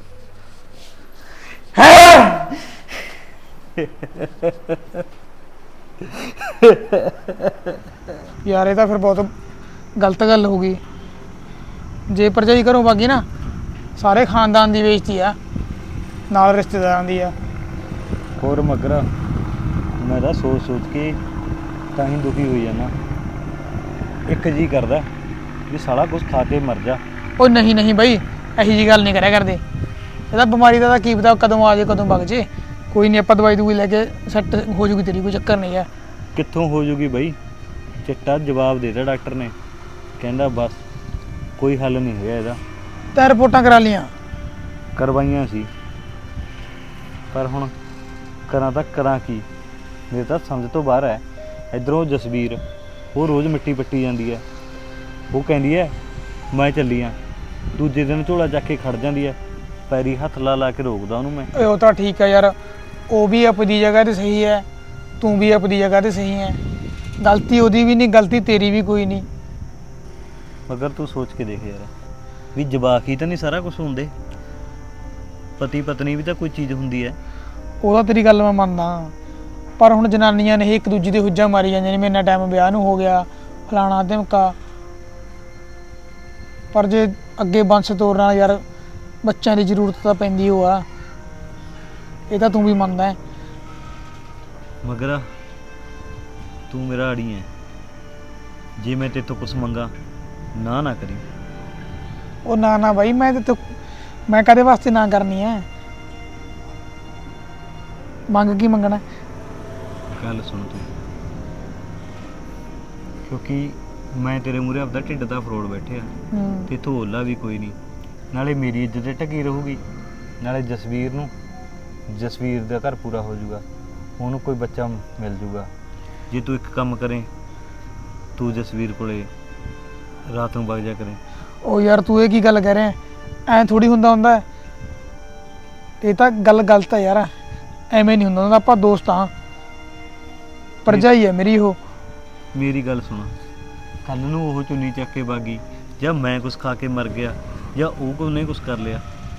S3: ਯਾਰ ਇਹ ਤਾਂ ਫਿਰ ਬਹੁਤ ਗਲਤ ਗੱਲ ਹੋ ਗਈ। ਜੇ ਭਰਜਾਈ ਘਰੋਂ ਭਾਗੀ ਨਾ, ਸਾਰੇ ਖਾਨਦਾਨ ਦੀ ਬੇਇੱਜ਼ਤੀ ਆ, ਨਾਲ ਰਿਸ਼ਤੇਦਾਰਾਂ ਦੀ ਆ।
S1: ਹੋਰ ਮਗਰ ਮੈਂ ਤਾਂ ਸੋਚ ਸੋਚ ਕੇ ਤਾਂ ਹੀ ਦੁਖੀ ਹੋਈ ਜਾਂਦਾ। ਇੱਕ ਜੀ ਕਰਦਾ ਵੀ ਸਾਲਾ ਕੁਝ ਖਾ ਕੇ ਮਰ ਜਾ।
S3: ਉਹ ਨਹੀਂ ਨਹੀਂ ਬਾਈ, ਇਹੋ ਜਿਹੀ ਗੱਲ ਨਹੀਂ ਕਰਿਆ ਕਰਦੇ। ਇਹਦਾ ਬਿਮਾਰੀ ਦਾ ਤਾਂ ਕੀ ਪਤਾ ਕਦੋਂ ਆ ਜੇ ਕਦੋਂ ਵਗ ਜੇ। ਕੋਈ ਨਹੀਂ, ਆਪਾਂ ਦਵਾਈ ਦੂਈ ਲੈ ਕੇ ਸੈੱਟ ਹੋ ਜੂਗੀ ਤੇਰੀ, ਕੋਈ ਚੱਕਰ ਨਹੀਂ ਆ।
S1: ਕਿੱਥੋਂ ਹੋ ਜੂਗੀ ਬਈ? ਚਿੱਟਾ ਜਵਾਬ ਦੇ ਦਿੱਤਾ ਡਾਕਟਰ ਨੇ, ਕਹਿੰਦਾ ਬਸ ਕੋਈ ਹੱਲ ਨਹੀਂ ਹੈਗਾ ਇਹਦਾ।
S3: ਤਾਂ ਰਿਪੋਰਟਾਂ ਕਰਾ ਲੀਆਂ?
S1: ਕਰਵਾਈਆਂ ਸੀ, ਪਰ ਹੁਣ ਕਰਾਂ ਕੀ? ਮੇਰੇ ਤਾਂ ਸਮਝ ਤੋਂ ਬਾਹਰ ਹੈ। ਇੱਧਰੋਂ ਜਸਵੀਰ, ਉਹ ਰੋਜ਼ ਮਿੱਟੀ ਪੱਟੀ ਜਾਂਦੀ ਹੈ। ਉਹ ਕਹਿੰਦੀ ਹੈ ਮੈਂ ਚੱਲੀ ਆ, ਦੂਜੇ ਦਿਨ ਝੋਲਾ ਚੱਕ ਕੇ ਖੜ ਜਾਂਦੀ ਹੈ। ਪੈਰੀ ਹੱਥ ਲਾ ਕੇ ਰੋਕਦਾ ਉਹਨੂੰ ਮੈਂ।
S3: ਓਏ ਉਹ ਤਾਂ ਠੀਕ ਹੈ ਯਾਰ, ਉਹ ਵੀ ਆਪਣੀ ਜਗ੍ਹਾ ਤੇ ਸਹੀ ਹੈ, ਤੂੰ ਵੀ ਆਪਣੀ ਜਗ੍ਹਾ ਤੇ ਸਹੀ ਹੈ। ਗਲਤੀ ਉਹਦੀ ਵੀ ਨਹੀਂ, ਗਲਤੀ ਤੇਰੀ ਵੀ ਕੋਈ ਨਹੀਂ।
S1: ਮਗਰ ਤੂੰ ਸੋਚ ਕੇ ਦੇਖ ਯਾਰ, ਵੀ ਜਵਾਕ ਹੀ ਤਾਂ ਨਹੀਂ ਸਾਰਾ ਕੁਝ ਹੁੰਦੇ। ਪਤੀ ਪਤਨੀ ਵੀ ਤਾਂ ਕੋਈ ਚੀਜ਼ ਹੁੰਦੀ ਹੈ।
S3: ਉਹਦਾ ਤੇਰੀ ਗੱਲ ਮੈਂ ਮੰਨਦਾ, ਪਰ ਹੁਣ ਜਨਾਨੀਆਂ ਨੇ ਇੱਕ ਦੂਜੀ ਦੇ ਹੁੱਜਾਂ ਮਾਰੀ ਜਾਂਦੀਆਂ ਨੇ, ਮੇਰੇ ਨਾਲ ਟਾਈਮ ਵਿਆਹ ਨੂੰ ਹੋ ਗਿਆ, ਫਲਾਣਾ ਧਮਕਾ। ਪਰ ਜੇ ਅੱਗੇ ਬੰਸ ਤੋਰਨਾ ਯਾਰ, ਬੱਚਿਆਂ ਦੀ ਜ਼ਰੂਰਤ ਤਾਂ ਪੈਂਦੀ ਉਹ ਆ। ਇਹ ਤਾਂ ਤੂੰ ਵੀ ਮੰਨਦਾ ਹੈ।
S1: ਮਗਰ ਤੂੰ ਮੇਰਾ ਆੜੀ ਹੈ, ਜੇ ਮੈਂ ਤੇਰੇ ਤੋਂ ਕੁਝ ਮੰਗਾ ਨਾ ਕਰੀ।
S3: ਉਹ ਨਾ ਬਾਈ, ਮੈਂ ਕਦੇ ਵਾਸਤੇ ਨਾ ਕਰਨੀ ਹੈ। ਮੰਗ ਕੀ ਮੰਗਣਾ?
S1: ਗੱਲ ਸੁਣ ਤੂੰ, ਕਿਉਂਕਿ ਮੈਂ ਤੇਰੇ ਮੂਹਰੇ ਆਪਦਾ ਢਿੱਡ ਦਾ ਫਰੋੜ ਬੈਠਿਆ ਤੇ ਢੋਲਾ ਵੀ ਕੋਈ ਨਹੀਂ। ਨਾਲੇ ਮੇਰੀ ਇੱਜ਼ਤ ਤੇ ਢਕੀ ਰਹੂਗੀ, ਨਾਲੇ ਜਸਵੀਰ ਦਾ ਘਰ ਪੂਰਾ ਹੋ ਜਾਊਗਾ, ਉਹਨੂੰ ਕੋਈ ਬੱਚਾ ਮਿਲ ਜਾਊਗਾ। ਜੇ ਤੂੰ ਇੱਕ ਕੰਮ ਕਰੇ, ਤੂੰ ਜਸਵੀਰ ਕੋਲੇ ਰਾਤ ਨੂੰ ਵਗ ਜਾ ਕਰੇ।
S3: ਉਹ ਯਾਰ ਤੂੰ ਇਹ ਕੀ ਗੱਲ ਕਹਿ ਰਿਹਾ? ਐਂ ਥੋੜੀ ਹੁੰਦਾ। ਇਹ ਤਾਂ ਗੱਲ ਗਲਤ ਹੈ ਯਾਰ, ਐਵੇਂ ਨਹੀਂ ਹੁੰਦਾ। ਆਪਾਂ ਦੋਸਤ ਹਾਂ, ਭਰਜਾਈ ਹੈ ਮੇਰੀ ਉਹ।
S1: ਮੇਰੀ ਗੱਲ ਸੁਣ, ਕੱਲ ਨੂੰ ਉਹ ਚੁੰਨੀ ਚੱਕ ਕੇ ਬਾਗੀ, ਜਾਂ ਮੈਂ ਕੁਝ ਖਾ ਕੇ ਮਰ ਗਿਆ, ਜਾਂ ਉਹ ਕੋਈ ਨੇ ਕੁਝ ਕਰ ਲਿਆ,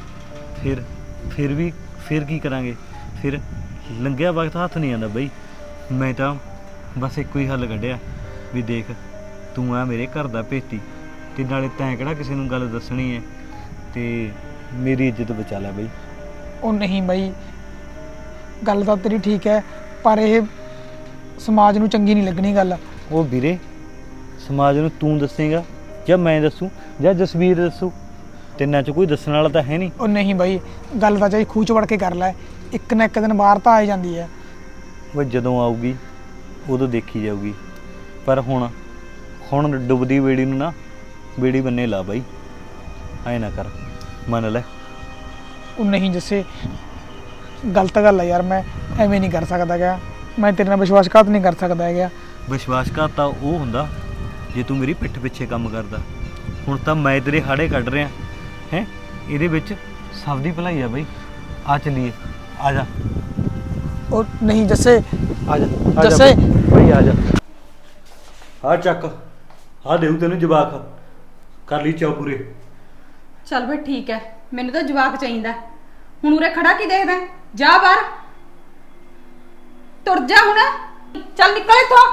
S1: ਫਿਰ ਕੀ ਕਰਾਂਗੇ? ਫਿਰ ਲੰਘਿਆ ਵਕਤ ਹੱਥ ਨਹੀਂ ਆਉਂਦਾ ਬਈ। ਮੈਂ ਤਾਂ ਬਸ ਇੱਕੋ ਹੀ ਹੱਲ ਕੱਢਿਆ ਵੀ ਦੇਖ, ਤੂੰ ਆ ਮੇਰੇ ਘਰ ਦਾ ਭੇਤੀ, ਤੇ ਨਾਲੇ ਤੈਂ ਕਿਹੜਾ ਕਿਸੇ ਨੂੰ ਗੱਲ ਦੱਸਣੀ ਹੈ, ਤੇ ਮੇਰੀ ਇੱਜ਼ਤ ਬਚਾ ਲੈ ਬਈ।
S3: ਉਹ ਨਹੀਂ ਬਾਈ, ਗੱਲ ਤਾਂ ਤੇਰੀ ਠੀਕ ਹੈ, ਪਰ ਇਹ ਸਮਾਜ ਨੂੰ ਚੰਗੀ ਨਹੀਂ ਲੱਗਣੀ ਗੱਲ।
S1: ਉਹ ਵੀਰੇ, ਸਮਾਜ ਨੂੰ ਤੂੰ ਦੱਸੇਗਾ ਜਾਂ ਮੈਂ ਦੱਸੂ ਜਾਂ ਜਸਵੀਰ ਦੱਸੂ? ਤਿੰਨਾਂ 'ਚ ਕੋਈ ਦੱਸਣ ਵਾਲਾ ਤਾਂ ਹੈ ਨਹੀਂ।
S3: ਉਹ ਨਹੀਂ ਬਾਈ, ਗੱਲ ਤਾਂ ਚਾਹੀ ਖੂਹ 'ਚ ਵੜ ਕੇ ਕਰ ਲੈ, ਇੱਕ ਨਾ ਇੱਕ ਦਿਨ ਬਾਹਰ ਤਾਂ ਆ ਜਾਂਦੀ ਹੈ।
S1: ਉਹ ਜਦੋਂ ਆਊਗੀ ਉਦੋਂ ਦੇਖੀ ਜਾਊਗੀ, ਪਰ ਹੁਣ ਡੁੱਬਦੀ ਬੇੜੀ ਨੂੰ ਨਾ ਬੇੜੀ ਬੰਨੇ ਲਾ ਬਾਈ, ਐ ਨਾ ਕਰ, ਮੰਨ ਲੈ।
S3: ਉਹ ਨਹੀਂ ਜੱਸੇ, ਗਲਤ ਗੱਲ ਹੈ ਯਾਰ, ਮੈਂ ਐਵੇਂ ਨਹੀਂ ਕਰ ਸਕਦਾ ਗਿਆ, ਮੈਂ ਤੇਰੇ ਨਾਲ ਵਿਸ਼ਵਾਸਘਾਤ ਨਹੀਂ ਕਰ ਸਕਦਾ ਹੈਗਾ।
S1: ਵਿਸ਼ਵਾਸਘਾਤ ਤਾਂ ਉਹ ਹੁੰਦਾ ਜੇ ਤੂੰ ਮੇਰੀ ਪਿੱਠ ਪਿੱਛੇ ਕੰਮ ਕਰਦਾ। ਹੁਣ ਤਾਂ ਮੈਂ ਤੇਰੇ ਹਾੜੇ ਕੱਢ ਰਿਹਾ ਹੈ, ਇਹਦੇ ਵਿੱਚ ਸਭ ਦੀ ਭਲਾਈ ਆ ਬਈ। ਆ ਚੱਲੀਏ, ਆ ਜਾ।
S3: ਉਹ ਨਹੀਂ ਜੱਸੇ,
S1: ਆ ਜਾ
S3: ਜੱਸੇ
S1: ਬਈ, ਆ ਜਾ। ਆ ਚੱਕ, ਆ ਦੇਉ ਤੈਨੂੰ ਜਵਾਕ, ਕਰ ਲਈ ਚਾਅ ਪੂਰੇ।
S2: ਚੱਲ ਬਈ ਠੀਕ ਹੈ, ਮੈਨੂੰ ਤਾਂ ਜਵਾਕ ਚਾਹੀਦਾ। ਹੁਣ ਉਰੇ ਖੜਾ ਕੀ ਦੇਖਦਾ? ਜਾ ਬਾਹਰ, ਤੁਰ ਜਾ ਹੁਣ, ਚੱਲ ਨਿਕਲ ਇੱਥੋਂ।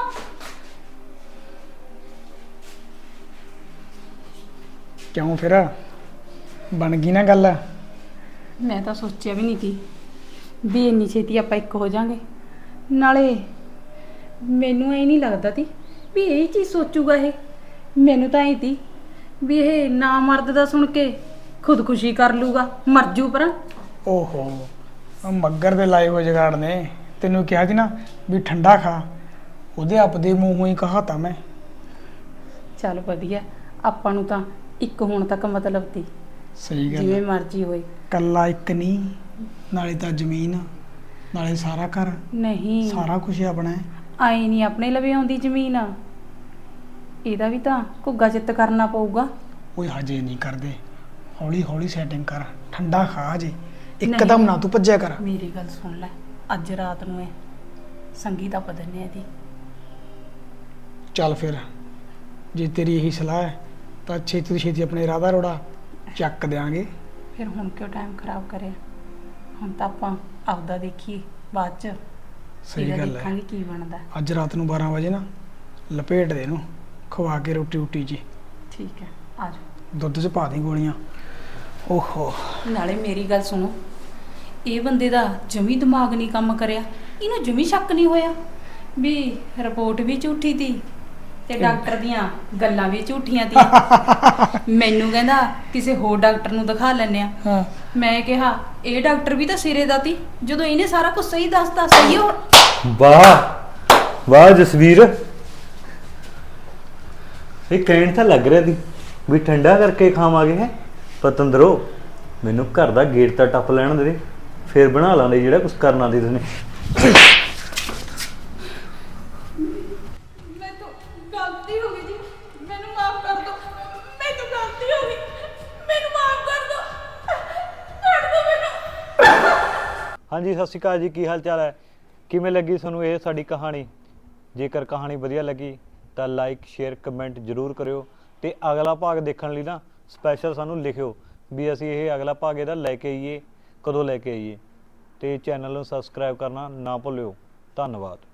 S3: ਕਿਉਂ ਫਿਰ ਬਣ ਗਈ ਨਾ ਗੱਲ?
S2: ਮੈਂ ਤਾਂ ਸੋਚਿਆ ਵੀ ਨਹੀਂ ਸੀ ਵੀ ਇੰਨੀ ਛੇਤੀ ਆਪਾਂ ਇੱਕ ਹੋ ਜਾਾਂਗੇ। ਨਾਲੇ ਮੈਨੂੰ ਐ ਨਹੀਂ ਲੱਗਦਾ ਤੀ ਵੀ ਇਹ ਚੀਜ਼ ਸੋਚੂਗਾ ਇਹ। ਮੈਨੂੰ ਤਾਂ ਐ ਤੀ ਵੀ ਇਹ ਨਾ ਮਰਦ ਦਾ ਸੁਣ ਕੇ ਖੁਦਕੁਸ਼ੀ ਕਰ ਲੂਗਾ, ਮਰ ਜੂ ਪਰ।
S3: ਓਹੋ, ਉਹ ਮੱਗਰ ਦੇ ਲਾਏ ਹੋਏ ਜਗਾੜ ਨੇ। ਤੈਨੂੰ ਕਿਹਾ ਸੀ ਨਾ ਵੀ ਠੰਡਾ ਖਾ, ਉਹਦੇ ਆਪ ਦੇ ਮੂੰਹੋਂ ਹੀ ਕਹਾ ਤਾ ਮੈਂ।
S2: ਚੱਲ ਵਧੀਆ, ਆਪਾਂ ਨੂੰ ਤਾਂ ਇੱਕ ਹੋਣ ਤੱਕ ਮਤਲਬ ਤੀ,
S3: ਸਹੀ ਗੱਲ
S2: ਜਿਵੇਂ ਮਰਜ਼ੀ ਹੋਏ।
S3: ਕੱਲਾ ਇੱਕ ਨਹੀਂ, ਨਾਲੇ ਤਾਂ ਜ਼ਮੀਨ, ਨਾਲੇ ਸਾਰਾ ਘਰ,
S2: ਨਹੀਂ
S3: ਸਾਰਾ ਕੁਝ ਆਪਣਾ ਹੈ।
S2: ਆਈ ਨਹੀਂ ਆਪਣੇ ਲਵੇ ਆਉਂਦੀ ਜ਼ਮੀਨ, ਇਹਦਾ ਵੀ ਤਾਂ ਘੁੱਗਾ ਚਿੱਤ ਕਰਨਾ ਪਊਗਾ।
S3: ਓਏ ਹਜੇ ਨਹੀਂ ਕਰਦੇ, ਹੌਲੀ ਹੌਲੀ ਸੈਟਿੰਗ ਕਰ, ਠੰਡਾ ਖਾ ਜੇ, ਇੱਕਦਮ ਨਾ ਤੂੰ ਭੱਜਿਆ ਕਰ।
S2: ਮੇਰੀ ਗੱਲ ਸੁਣ ਲੈ, ਅੱਜ ਰਾਤ ਨੂੰ ਸੰਗੀ ਤਾਂ ਪਦਨੇ ਇਹਦੀ।
S3: ਚੱਲ ਫਿਰ ਜੇ ਤੇਰੀ ਇਹੀ ਸਲਾਹ ਹੈ ਤਾਂ ਛੇਤੀ ਤੋਂ ਛੇਤੀ ਆਪਣੇ ਰਾਧਾ ਰੋੜਾ ਚੱਕ ਦਿਆਂਗੇ।
S2: ਫਿਰ ਹੁਣ ਕਿਉਂ ਟਾਈਮ ਖਰਾਬ ਕਰਿਆ? ਹੁਣ ਤਾਂ ਆਪਾਂ ਆਪਦਾ ਦੇਖੀਏ, ਬਾਅਦ ਚ
S3: ਸਹੀ
S2: ਇਹਦਾ
S3: ਗੱਲ ਹੈ।
S2: ਦੇਖਾਂਗੇ ਕੀ ਬਣਦਾ।
S3: ਅੱਜ ਰਾਤ ਨੂੰ 12 ਵਜੇ ਨਾ ਲਪੇਟ ਦੇ ਇਹਨੂੰ, ਖਵਾ ਕੇ ਰੋਟੀ ਜੀ
S2: ਠੀਕ ਹੈ, ਆ ਜਾਓ।
S3: ਦੁੱਧ 'ਚ ਪਾ ਦੀ ਗੋਲੀਆਂ। ਓਹੋ
S2: ਨਾਲੇ ਮੇਰੀ ਗੱਲ ਸੁਣੋ, ਇਹ ਬੰਦੇ ਦਾ ਜਮੀ ਦਿਮਾਗ ਨਹੀਂ ਕੰਮ ਕਰਿਆ। ਇਹਨੂੰ ਜਮੀ ਸ਼ੱਕ ਨਹੀਂ ਹੋਇਆ ਵੀ ਰਿਪੋਰਟ ਵੀ ਝੂਠੀ ਤੀ ਤੇ ਡਾਕਟਰ ਦੀਆਂ ਗੱਲਾਂ ਵੀ ਝੂਠੀਆਂ ਤੀ। ਮੈਨੂੰ ਕਹਿੰਦਾ ਕਿਸੇ ਹੋਰ ਡਾਕਟਰ ਨੂੰ ਦਿਖਾ ਲੈਣੇ ਆ।
S3: ਹਾਂ
S2: ਮੈਂ ਕਿਹਾ ਇਹ ਡਾਕਟਰ ਵੀ ਤਾਂ ਸਿਰੇ ਦਾ ਤੀ, ਜਦੋਂ ਇਹਨੇ ਸਾਰਾ ਕੁਝ ਸਹੀ ਦੱਸਤਾ। ਸਹੀ ਹੋ
S1: ਵਾਹ ਵਾਹ ਜਸਵੀਰ, ਇਹ ਕਹਿਣ ਤਾਂ ਲੱਗ ਰਿਹਾ ਸੀ ਵੀ ਠੰਡਾ ਕਰਕੇ ਖਾਵਾਂਗੇ ਹੈ। ਪਤੰਦਰੋ ਮੈਨੂੰ ਘਰ ਦਾ ਗੇਟ ਤਾਂ ਟੱਪ ਲੈਣ ਦੇ, ਫਿਰ ਬਣਾ ਲਾਂਗੇ ਜਿਹੜਾ ਕੁਝ ਕਰਨਾ ਦੀ ਤੁਸੀਂ।
S2: ਮੈਨੂੰ ਗਲਤੀ ਹੋ ਗਈ ਜੀ, ਮੈਨੂੰ ਮਾਫ ਕਰ ਦਿਓ। ਮੈਨੂੰ ਗਲਤੀ ਹੋ ਗਈ, ਮੈਨੂੰ ਮਾਫ ਕਰ ਦਿਓ। ਛੱਡ ਦਿਓ ਮੈਨੂੰ।
S1: ਹਾਂਜੀ ਸਤਿ ਸ਼੍ਰੀ ਅਕਾਲ ਜੀ, ਕੀ ਹਾਲ ਚਾਲ ਹੈ? ਕਿਵੇਂ ਲੱਗੀ ਤੁਹਾਨੂੰ ਇਹ ਸਾਡੀ ਕਹਾਣੀ? ਜੇਕਰ ਕਹਾਣੀ ਵਧੀਆ ਲੱਗੀ ਤਾਂ ਲਾਈਕ ਸ਼ੇਅਰ ਕਮੈਂਟ ਜ਼ਰੂਰ ਕਰਿਓ, ਤੇ ਅਗਲਾ ਭਾਗ ਦੇਖਣ ਲਈ ਨਾ ਸਪੈਸ਼ਲ ਸਾਨੂੰ ਲਿਖਿਓ ਵੀ ਅਸੀਂ ਇਹ ਅਗਲਾ ਭਾਗ ਇਹਦਾ ਲੈ ਕੇ ਆਈਏ, ਕਦੋਂ ਲੈ ਕੇ ਆਈਏ, ਤੇ ਚੈਨਲ ਨੂੰ ਸਬਸਕ੍ਰਾਈਬ ਕਰਨਾ ਨਾ ਭੁੱਲਿਓ। ਧੰਨਵਾਦ।